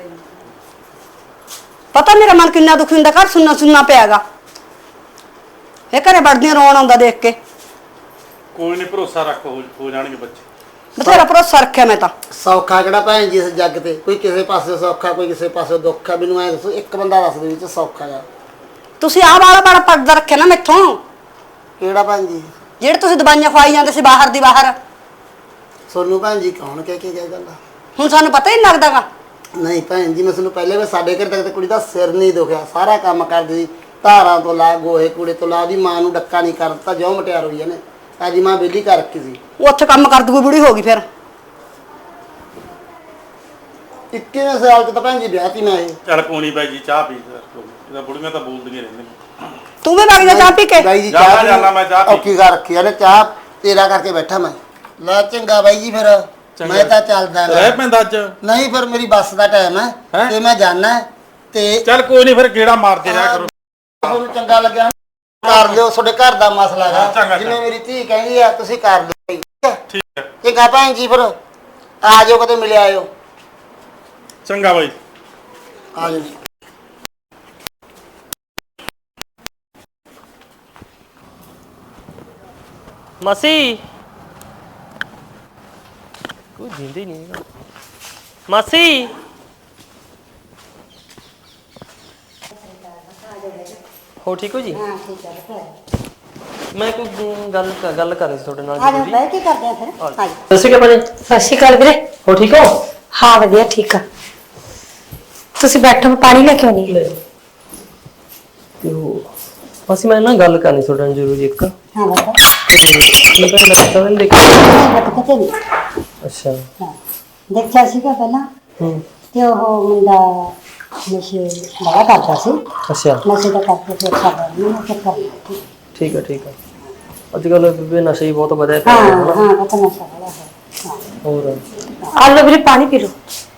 S2: ਪਤਾ ਮੇਰਾ ਮਨ ਕਿੰਨਾ ਦੁਖੀ ਹੁੰਦਾ, ਘਰ ਸੁਣਨਾ ਸੁਣਨਾ ਪਿਆਗਾ। ਇਹ ਘਰੇ ਵੜਦੀਆਂ ਰੋਣ ਆਉਂਦਾ ਦੇਖ ਕੇ।
S4: ਕੋਈ ਨਹੀਂ, ਭਰੋਸਾ ਰੱਖ, ਹੋ ਹੋ ਜਾਣਗੇ ਬੱਚੇ।
S2: ਬਥੇਰਾ ਭਰੋਸਾ ਰੱਖਿਆ ਮੈਂ ਤਾਂ।
S5: ਸੌਖਾ ਕਿਹੜਾ ਭੈਣ ਜੀ ਇਸ ਜੱਗ ਤੇ? ਕੋਈ ਕਿਸੇ ਪਾਸੇ ਸੌਖਾ, ਕੋਈ ਕਿਸੇ ਪਾਸੇ ਦੁੱਖ ਆ। ਮੈਨੂੰ ਐ ਦੱਸੋ, ਇੱਕ ਬੰਦਾ ਦੱਸ ਦੇ ਵਿੱਚ ਸੌਖਾ ਆ।
S2: ਤੁਸੀਂ ਆਹ ਵਾਲਾ ਬੜਾ ਪਰਦਾ ਰੱਖਿਆ ਨਾ ਮੈਥੋਂ,
S5: ਕਿਹੜਾ ਭੈਣ ਜੀ?
S2: ਜਿਹੜੇ ਤੁਸੀਂ ਦਵਾਈਆਂ ਖਵਾਈ ਜਾਂਦੇ ਸੀ ਬਾਹਰ ਦੀ ਬਾਹਰ।
S5: ਸੋਨੂੰ ਭੈਣ ਜੀ ਕੌਣ ਕਹਿ ਕੇ ਗਿਆ ਗੱਲ?
S2: ਹੁਣ ਸਾਨੂੰ ਪਤਾ ਹੀ ਨਹੀਂ ਲੱਗਦਾਗਾ।
S5: ਨਹੀਂ ਭੈਣ ਜੀ, ਮੈਂ ਤੁਹਾਨੂੰ ਪਹਿਲੇ ਵੀ ਸਾਡੇ ਘਰ ਤੱਕ ਤੇ ਕੁੜੀ ਦਾ ਸਿਰ ਨਹੀਂ ਦੁਖਿਆ, ਸਾਰਾ ਕੰਮ ਕਰਦੀ ਸੀ, ਧਾਰਾਂ ਤੋਂ ਲਾ, ਗੋਹੇ ਕੂੜੇ ਤੋਂ ਲਾ। ਉਹਦੀ ਮਾਂ ਨੂੰ ਡੱਕਾ ਨਹੀਂ ਕਰ ਦਿੱਤਾ, ਜਿਉਂ ਮਟਿਆਰ ਹੋਈ ਇਹਨੇ। ਆਜੀ ਮਾਂ ਵਿਹਲੀ ਕਰ ਰੱਖੀ ਸੀ।
S2: ਉਹ ਉੱਥੇ ਕੰਮ ਕਰਦੀ ਕੋਈ ਬੁੜੀ ਹੋ ਗਈ ਫਿਰ।
S5: ਇੱਕੀਵੇਂ ਸਾਲ ਚ ਤਾਂ ਭੈਣ ਜੀ ਵਿਆਹ ਤੀ ਮੈਂ ਇਹ।
S4: ਚੱਲ ਕੋਈ ਨਹੀਂ ਬਾਈ ਜੀ, ਚਾਹ ਪੀ ਲੈ। ਇਹਦਾ ਬੁੜੀਆਂ ਤਾਂ ਬੋਲਦੀਆਂ ਰਹਿੰਦੀਆਂ।
S2: ਤੂੰ ਵੀ ਵਗ ਜਾ ਚਾਹ ਪੀ ਕੇ।
S5: ਬਾਈ ਜੀ
S4: ਜਾਣਾ
S5: ਚਾਹ
S4: ਜਾਣਾ, ਮੈਂ ਚਾਹ ਪੀ-
S5: ਔਖੀ ਕਰ ਰੱਖੀ ਇਹਨੇ, ਚਾਹ ਤੇਰਾ ਕਰਕੇ ਬੈਠਾ ਮੈਂ। ਲੈ ਚੰਗਾ ਬਾਈ ਜੀ, ਫਿਰ ਮੈਂ ਤਾਂ ਚੱਲਦਾ ਗਾ।
S4: ਰਹਿ ਪੈਂਦਾ ਅੱਜ।
S5: ਨਹੀਂ ਫਿਰ ਮੇਰੀ ਬੱਸ ਦਾ ਟਾਈਮ ਹੈ
S4: ਹੈਂ?
S5: ਤੇ ਮੈਂ ਜਾਣਾ ਤੇ
S4: ਚੱਲ ਕੋਈ ਨਹੀਂ, ਫਿਰ ਗੇੜਾ ਮਾਰਦੇ ਰਿਹਾ ਕਰੋ।
S5: ਤੁਹਾਨੂੰ ਚੰਗਾ ਲੱਗਿਆ ਕਰ ਲਿਓ, ਤੁਹਾਡੇ ਘਰ ਦਾ ਮਸਲਾ
S4: ਹਾਂ, ਚੰਗਾ,
S5: ਹੈ। ਜਿਵੇਂ ਮੇਰੀ ਧੀ ਕਹਿੰਦੀ ਆ ਤੁਸੀਂ ਕਰ ਲਿਓ ਭਾਈ, ਠੀਕ ਹੈ?
S4: ਠੀਕ ਹੈ,
S5: ਚੰਗਾ ਭੈਣ ਜੀ, ਫਿਰ ਆ ਜਾਓ, ਕਦੇ ਮਿਲ ਆਇਓ।
S4: ਚੰਗਾ ਬਾਈ।
S5: ਆ ਜਾਓ।
S6: ਮਾਸੀ ਕੋਈ ਜਿੰਦੇ ਨਹੀਂ ਹੈਗਾ। ਮਾਸੀ ਹੋ ਠੀਕ ਹੋ ਜੀ?
S2: ਹਾਂ ਠੀਕ ਹੈ।
S6: ਮੈਂ ਕੋਈ ਗੱਲ ਗੱਲ ਕਰ ਰਹੀ ਸੀ ਤੁਹਾਡੇ ਨਾਲ
S2: ਆ ਜਾ
S6: ਜ਼ਰੂਰੀ।
S2: ਬਹਿ ਕੇ ਕਰਦੇ ਆ ਫਿਰ। ਆ ਜਾ।
S6: ਸਤਿ ਸ਼੍ਰੀ ਅਕਾਲ ਭਾਜੀ।
S1: ਸਤਿ ਸ਼੍ਰੀ ਅਕਾਲ ਵੀਰੇ।
S6: ਹੋ ਠੀਕ ਹੋ?
S1: ਹਾਂ ਵਧੀਆ ਠੀਕ ਆ। ਤੁਸੀਂ ਬੈਠੋ, ਮੈਂ ਪਾਣੀ ਲੈ ਕੇ ਆਉਣੀ ਹੈ।
S6: ਤੇ ਉਹ ਅਸੀਂ ਮੈਂ ਨਾ ਗੱਲ ਕਰਨੀ ਤੁਹਾਡੇ ਨਾਲ ਜ਼ਰੂਰੀ ਇੱਕ।
S2: ਹਾਂ ਬਤਾ
S6: ਤੇ ਮੈਂ ਤਾਂ ਰੈਸਟੋਰੈਂਟ ਦੇਖਿਆ।
S2: ਬਤਾ ਕਿਤੇ ਵੀ
S6: ਅੱਛਾ।
S2: ਹਾਂ ਦੇਖਿਆ ਸੀਗਾ ਪਹਿਲਾਂ
S6: ਹੂੰ।
S2: ਤੇ ਉਹ ਮੁੰਡਾ ਨਸ਼ੇ ਬੜਾ ਕਰਦਾ ਸੀ।
S6: ਅੱਛਾ
S2: ਨਸ਼ੇ ਦਾ ਕਰਕੇ ਫਿਰ ਸਾਡਾ ਨਹੀਂ ਨਾ ਚੱਕਰ ਲਿਆ।
S6: ਠੀਕ ਹੈ ਠੀਕ ਹੈ। ਅੱਜ ਕੱਲ੍ਹ ਵੀ ਨਸ਼ਾ ਹੀ ਬਹੁਤ ਵਧਿਆ ਪਿਆ
S2: ਹਾਂ
S6: ਹੈ ਹਨਾ।
S2: ਹਾਂ ਪਤਾ ਨਸ਼ਾ ਬੜਾ ਹੈ। ਹਾਂ
S6: ਹੋਰ
S1: ਆ ਲਓ ਵੀਰੇ ਪਾਣੀ ਪੀ ਲਓ।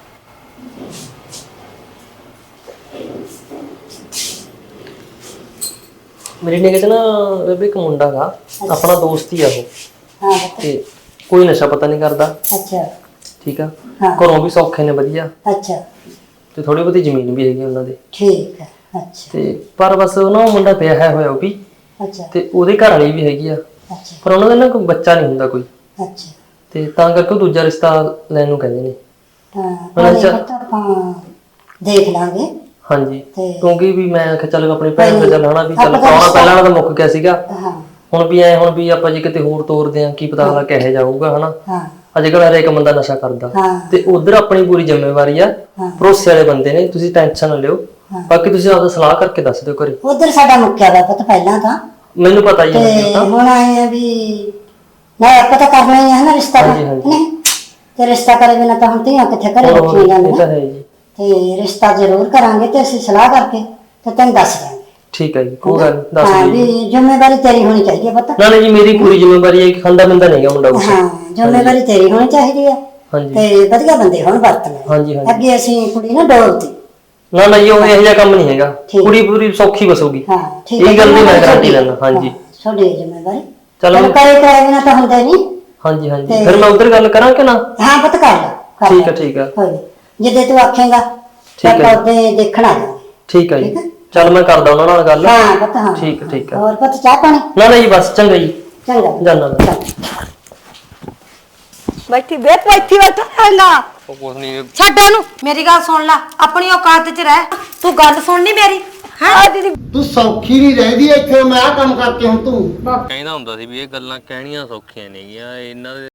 S6: ਮੇਰੀ ਨਿਗਾਹ 'ਚ ਨਾ ਬੇਬੇ ਇੱਕ ਮੁੰਡਾ ਗਾ, ਆਪਣਾ ਦੋਸਤ ਹੀ ਆ ਉਹ।
S2: ਹਾਂ ਬਤਾ
S6: ਤੇ ਕੋਈ ਨਸ਼ਾ ਪਤਾ ਨਹੀਂ ਕਰਦਾ,
S2: ਅੱਛਾ
S6: ਠੀਕ ਆ।
S2: ਹਾਂ।
S6: ਘਰੋਂ ਵੀ ਸੌਖੇ ਨੇ ਵਧੀਆ,
S2: ਅੱਛਾ
S6: ਤੇ ਥੋੜੀ ਬਹੁਤੀ ਜ਼ਮੀਨ ਵੀ ਹੈਗੀ ਉਹਨਾਂ ਦੇ।
S2: ਠੀਕ ਹੈ ਅੱਛਾ
S6: ਤੇ ਪਰ ਬਸ ਉਹ ਨਾ ਉਹ ਮੁੰਡਾ ਵਿਆਹਿਆ ਹੋਇਆ ਉਹ ਵੀ,
S2: ਅੱਛਾ
S6: ਤੇ ਉਹਦੇ ਘਰ ਵਾਲੀ ਵੀ ਹੈਗੀ ਆ,
S2: ਅੱਛਾ
S6: ਪਰ ਉਹਨਾਂ ਦਾ ਨਾ ਕੋਈ ਬੱਚਾ ਨਹੀਂ ਹੁੰਦਾ ਕੋਈ,
S2: ਅੱਛਾ
S6: ਤੇ ਤਾਂ ਕਰਕੇ ਉਹ ਦੂਜਾ ਰਿਸ਼ਤਾ ਲੈਣ ਨੂੰ ਕਹਿੰਦੇ ਨੇ।
S2: ਹਾਂ
S6: ਉਹਨਾਂ
S2: ਉਹਨੇ
S6: ਚ-
S2: ਪਤਾ ਆਪਾਂ ਦੇਖ ਲਾਂਗੇ।
S6: ਹਾਂਜੀ,
S2: ਤੇ-
S6: ਕਿਉਂਕਿ ਵੀ ਮੈਂ ਆਖਿਆ ਚੱਲ ਆਪਣੀ ਭੈਣ ਦਾ ਚੱਲ ਹਨਾ ਵੀ ਚੱਲ
S2: ਆਪਾਂ ਤਾਂ
S6: ਪ੍ਰਾਹੁਣਾ
S2: ਰਿਸ਼ਤਾ-
S6: ਪਹਿਲਾਂ ਵਾਲਾ ਤਾਂ ਮੁੱਕ ਗਿਆ ਸੀਗਾ,
S2: ਹਾਂ
S6: ਹੁਣ ਵੀ ਐ ਹੁਣ ਵੀ ਆਪਾਂ ਜੇ ਕਿਤੇ ਹੋਰ ਤੋਰਦੇ ਆ ਕੀ ਪਤਾ ਅਗਲਾ ਕਿਹੋ ਜਾਊਗਾ ਹਨਾ।
S2: ਹਾਂ
S6: ਅੱਜ ਕੱਲ੍ਹ ਹਰੇਕ ਬੰਦਾ ਨਸ਼ਾ ਕਰਦਾ,
S2: ਹਾਂ।
S6: ਤੇ ਉਧਰ ਆਪਣੀ ਪੂਰੀ ਜ਼ਿੰਮੇਵਾਰੀ ਆ,
S2: ਹਾਂ।
S6: ਭਰੋਸੇ ਵਾਲੇ ਬੰਦੇ ਨੇ, ਤੁਸੀਂ ਟੈਨਸ਼ਨ ਨਾ ਲਿਓ।
S2: ਹਾਂ।
S6: ਬਾਕੀ ਤੁਸੀਂ ਆਪਦਾ ਸਲਾਹ ਕਰਕੇ ਦੱਸ ਦਿਓ ਘਰੇ।
S2: ਉਧਰ ਸਾਡਾ ਮੁੱਕਿਆ ਵਾ ਪਤਾ ਪਹਿਲਾਂ ਤਾਂ
S6: ਮੈਨੂੰ ਪਤਾ ਹੀ ਹੈ
S2: ਤੇ
S6: ਮੈਨੂੰ ਤਾਂ।
S2: ਹੁਣ ਆਏ ਆ ਵੀ ਨਾ ਆਪਾਂ ਤਾਂ ਕਰਨਾ ਹੀ ਹੈ ਨਾ ਰਿਸ਼ਤਾ
S6: ਹਾਂਜੀ, ਹਾਂਜੀ।
S2: ਨਹੀਂ ਤੇ ਰਿਸ਼ਤਾ ਕਰੇ ਬਿਨਾ ਤਾਂ ਹੁਣ ਧੀਆਂ ਕਿੱਥੇ ਘਰੇ
S6: ਹੋਰ
S2: ਰੱਖੀਆਂ
S6: ਇਹ
S2: ਜਾਂਦੀਆਂ
S6: ਤਾਂ ਹੈ ਜੀ।
S2: ਤੇ ਰਿਸ਼ਤਾ ਜ਼ਰੂਰ ਕਰਾਂਗੇ ਤੇ ਅਸੀਂ ਸਲਾਹ ਕਰਕੇ ਤੇ ਤੈਨੂੰ ਦੱਸ ਦਾਂਗੇ।
S6: ਠੀਕ ਹੈ ਜੀ, ਕੋਈ ਗੱਲ ਨੀ, ਦੱਸ
S2: ਹਾਂ
S6: ਦਿਓ ਜੀ।
S2: ਵੀ ਜ਼ਿੰਮੇਵਾਰੀ ਤੇਰੀ ਹੋਣੀ ਚਾਹੀਦੀ ਹੈ ਪਤਾ।
S6: ਨਾ ਨਾ ਜੀ, ਮੇਰੀ ਪੂਰੀ ਜ਼ਿੰਮੇਵਾਰੀ ਹੈ ਕਿ ਖਾਂਦਾ ਬੰਦਾ ਨਹੀਂਗਾ ਮੁੰਡਾ ਕੁਛ।
S2: ਹਾਂ ਜ਼ਿੰਮੇਵਾਰੀ ਤੇਰੀ ਹੋਣੀ ਚਾਹੀਦੀ ਹੈ
S6: ਹਾਂਜੀ
S2: ਤੇ ਵਧੀਆ ਬੰਦੇ ਹੁਣ ਵਰਤਣੇ
S6: ਹਾਂਜੀ ਹਾਂਜੀ।
S2: ਅੱਗੇ ਅਸੀਂ ਕੁੜੀ ਨਾ ਡੋਲਤੀ।
S6: ਨਾ ਨਾ ਜੀ, ਉਹ ਇਹੋ ਜਿਹਾ ਕੰਮ ਨਹੀਂ ਹੈਗਾ,
S2: ਠੀਕ।
S6: ਕੁੜੀ ਪੂਰੀ ਸੌਖੀ ਵਸੂਗੀ।
S2: ਹਾਂ ਠੀਕ
S6: ਇਹ ਗੱਲ ਦੀ ਮੈਂ ਗਾਰੰਟੀ ਲੈਂਦਾ। ਹਾਂਜੀ
S2: ਤੁਹਾਡੀ ਜ਼ਿੰਮੇਵਾਰੀ
S6: ਚਲੋ।
S2: ਚਲੋ ਕਰੇ ਕਰੇ ਬਿਨਾ ਤਾਂ ਹੁੰਦਾ ਨਹੀਂ।
S6: ਹਾਂਜੀ ਹਾਂਜੀ,
S2: ਤੇ-
S6: ਫਿਰ ਮੈਂ ਉਧਰ ਗੱਲ ਕਰਾਂ ਕਿ ਨਾ?
S2: ਹਾਂ ਪਤਾ ਕਰ ਲੈ ਕਰ
S6: ਠੀਕ
S2: ਲੈ।
S6: ਹੈ, ਠੀਕ ਹੈ।
S2: ਹੋਈ ਜਿੱਦੇ ਤੂੰ ਆਖੇਗਾ
S6: ਠੀਕ
S2: ਤਾਂ
S6: ਹੈ।
S2: ਉਹਦੇ ਦੇਖਣ ਆ ਜਾਵਾਂਗੇ।
S6: ਠੀਕ ਹੈ
S2: ਠੀਕ ਹੈ।
S6: ਜੀ, ਚੱਲ ਮੈਂ ਕਰਦਾ ਉਹਨਾਂ ਨਾਲ ਗੱਲ।
S2: ਹਾਂ ਪਤਾ ਹਾਂ
S6: ਠੀਕ ਹੈ, ਠੀਕ ਹੈ।
S2: ਹੋਰ ਪਤਾ ਚਾਹ ਪਾਣੀ
S6: ਨਾ ਨਾ ਜੀ, ਬਸ ਚੰਗਾ ਜੀ,
S2: ਚੰਗਾ
S6: ਜਾਨਾ ਮੈਂ।
S2: ਚੰਗਾ। ਬੈਠੀ ਬੈਠ ਬੈਠੀ ਬੈਠਾ ਹੈਗਾ
S3: ਉਹ ਕੁਛ ਨਹੀਂ।
S1: ਛੱਡ ਉਹਨੂੰ, ਮੇਰੀ ਗੱਲ ਸੁਣ ਲੈ, ਆਪਣੀ ਔਕਾਤ 'ਚ ਰਹਿ। ਤੂੰ ਗੱਲ ਸੁਣਨੀ ਮੇਰੀ ਹਾਂ ਦੀਦੀ।
S5: ਤੂੰ ਸੌਖੀ ਨਹੀਂ ਰਹਿੰਦੀ ਇੱਥੇ, ਮੈਂ ਆਹ ਕੰਮ ਕਰਕੇ ਹੁਣ ਤੂੰ
S3: ਕਹਿੰਦਾ ਹੁੰਦਾ ਸੀ ਵੀ ਇਹ ਗੱਲਾਂ ਕਹਿਣੀਆਂ ਸੌਖੀਆਂ ਨੇਗੀਆਂ ਇਹਨਾਂ ਦੇ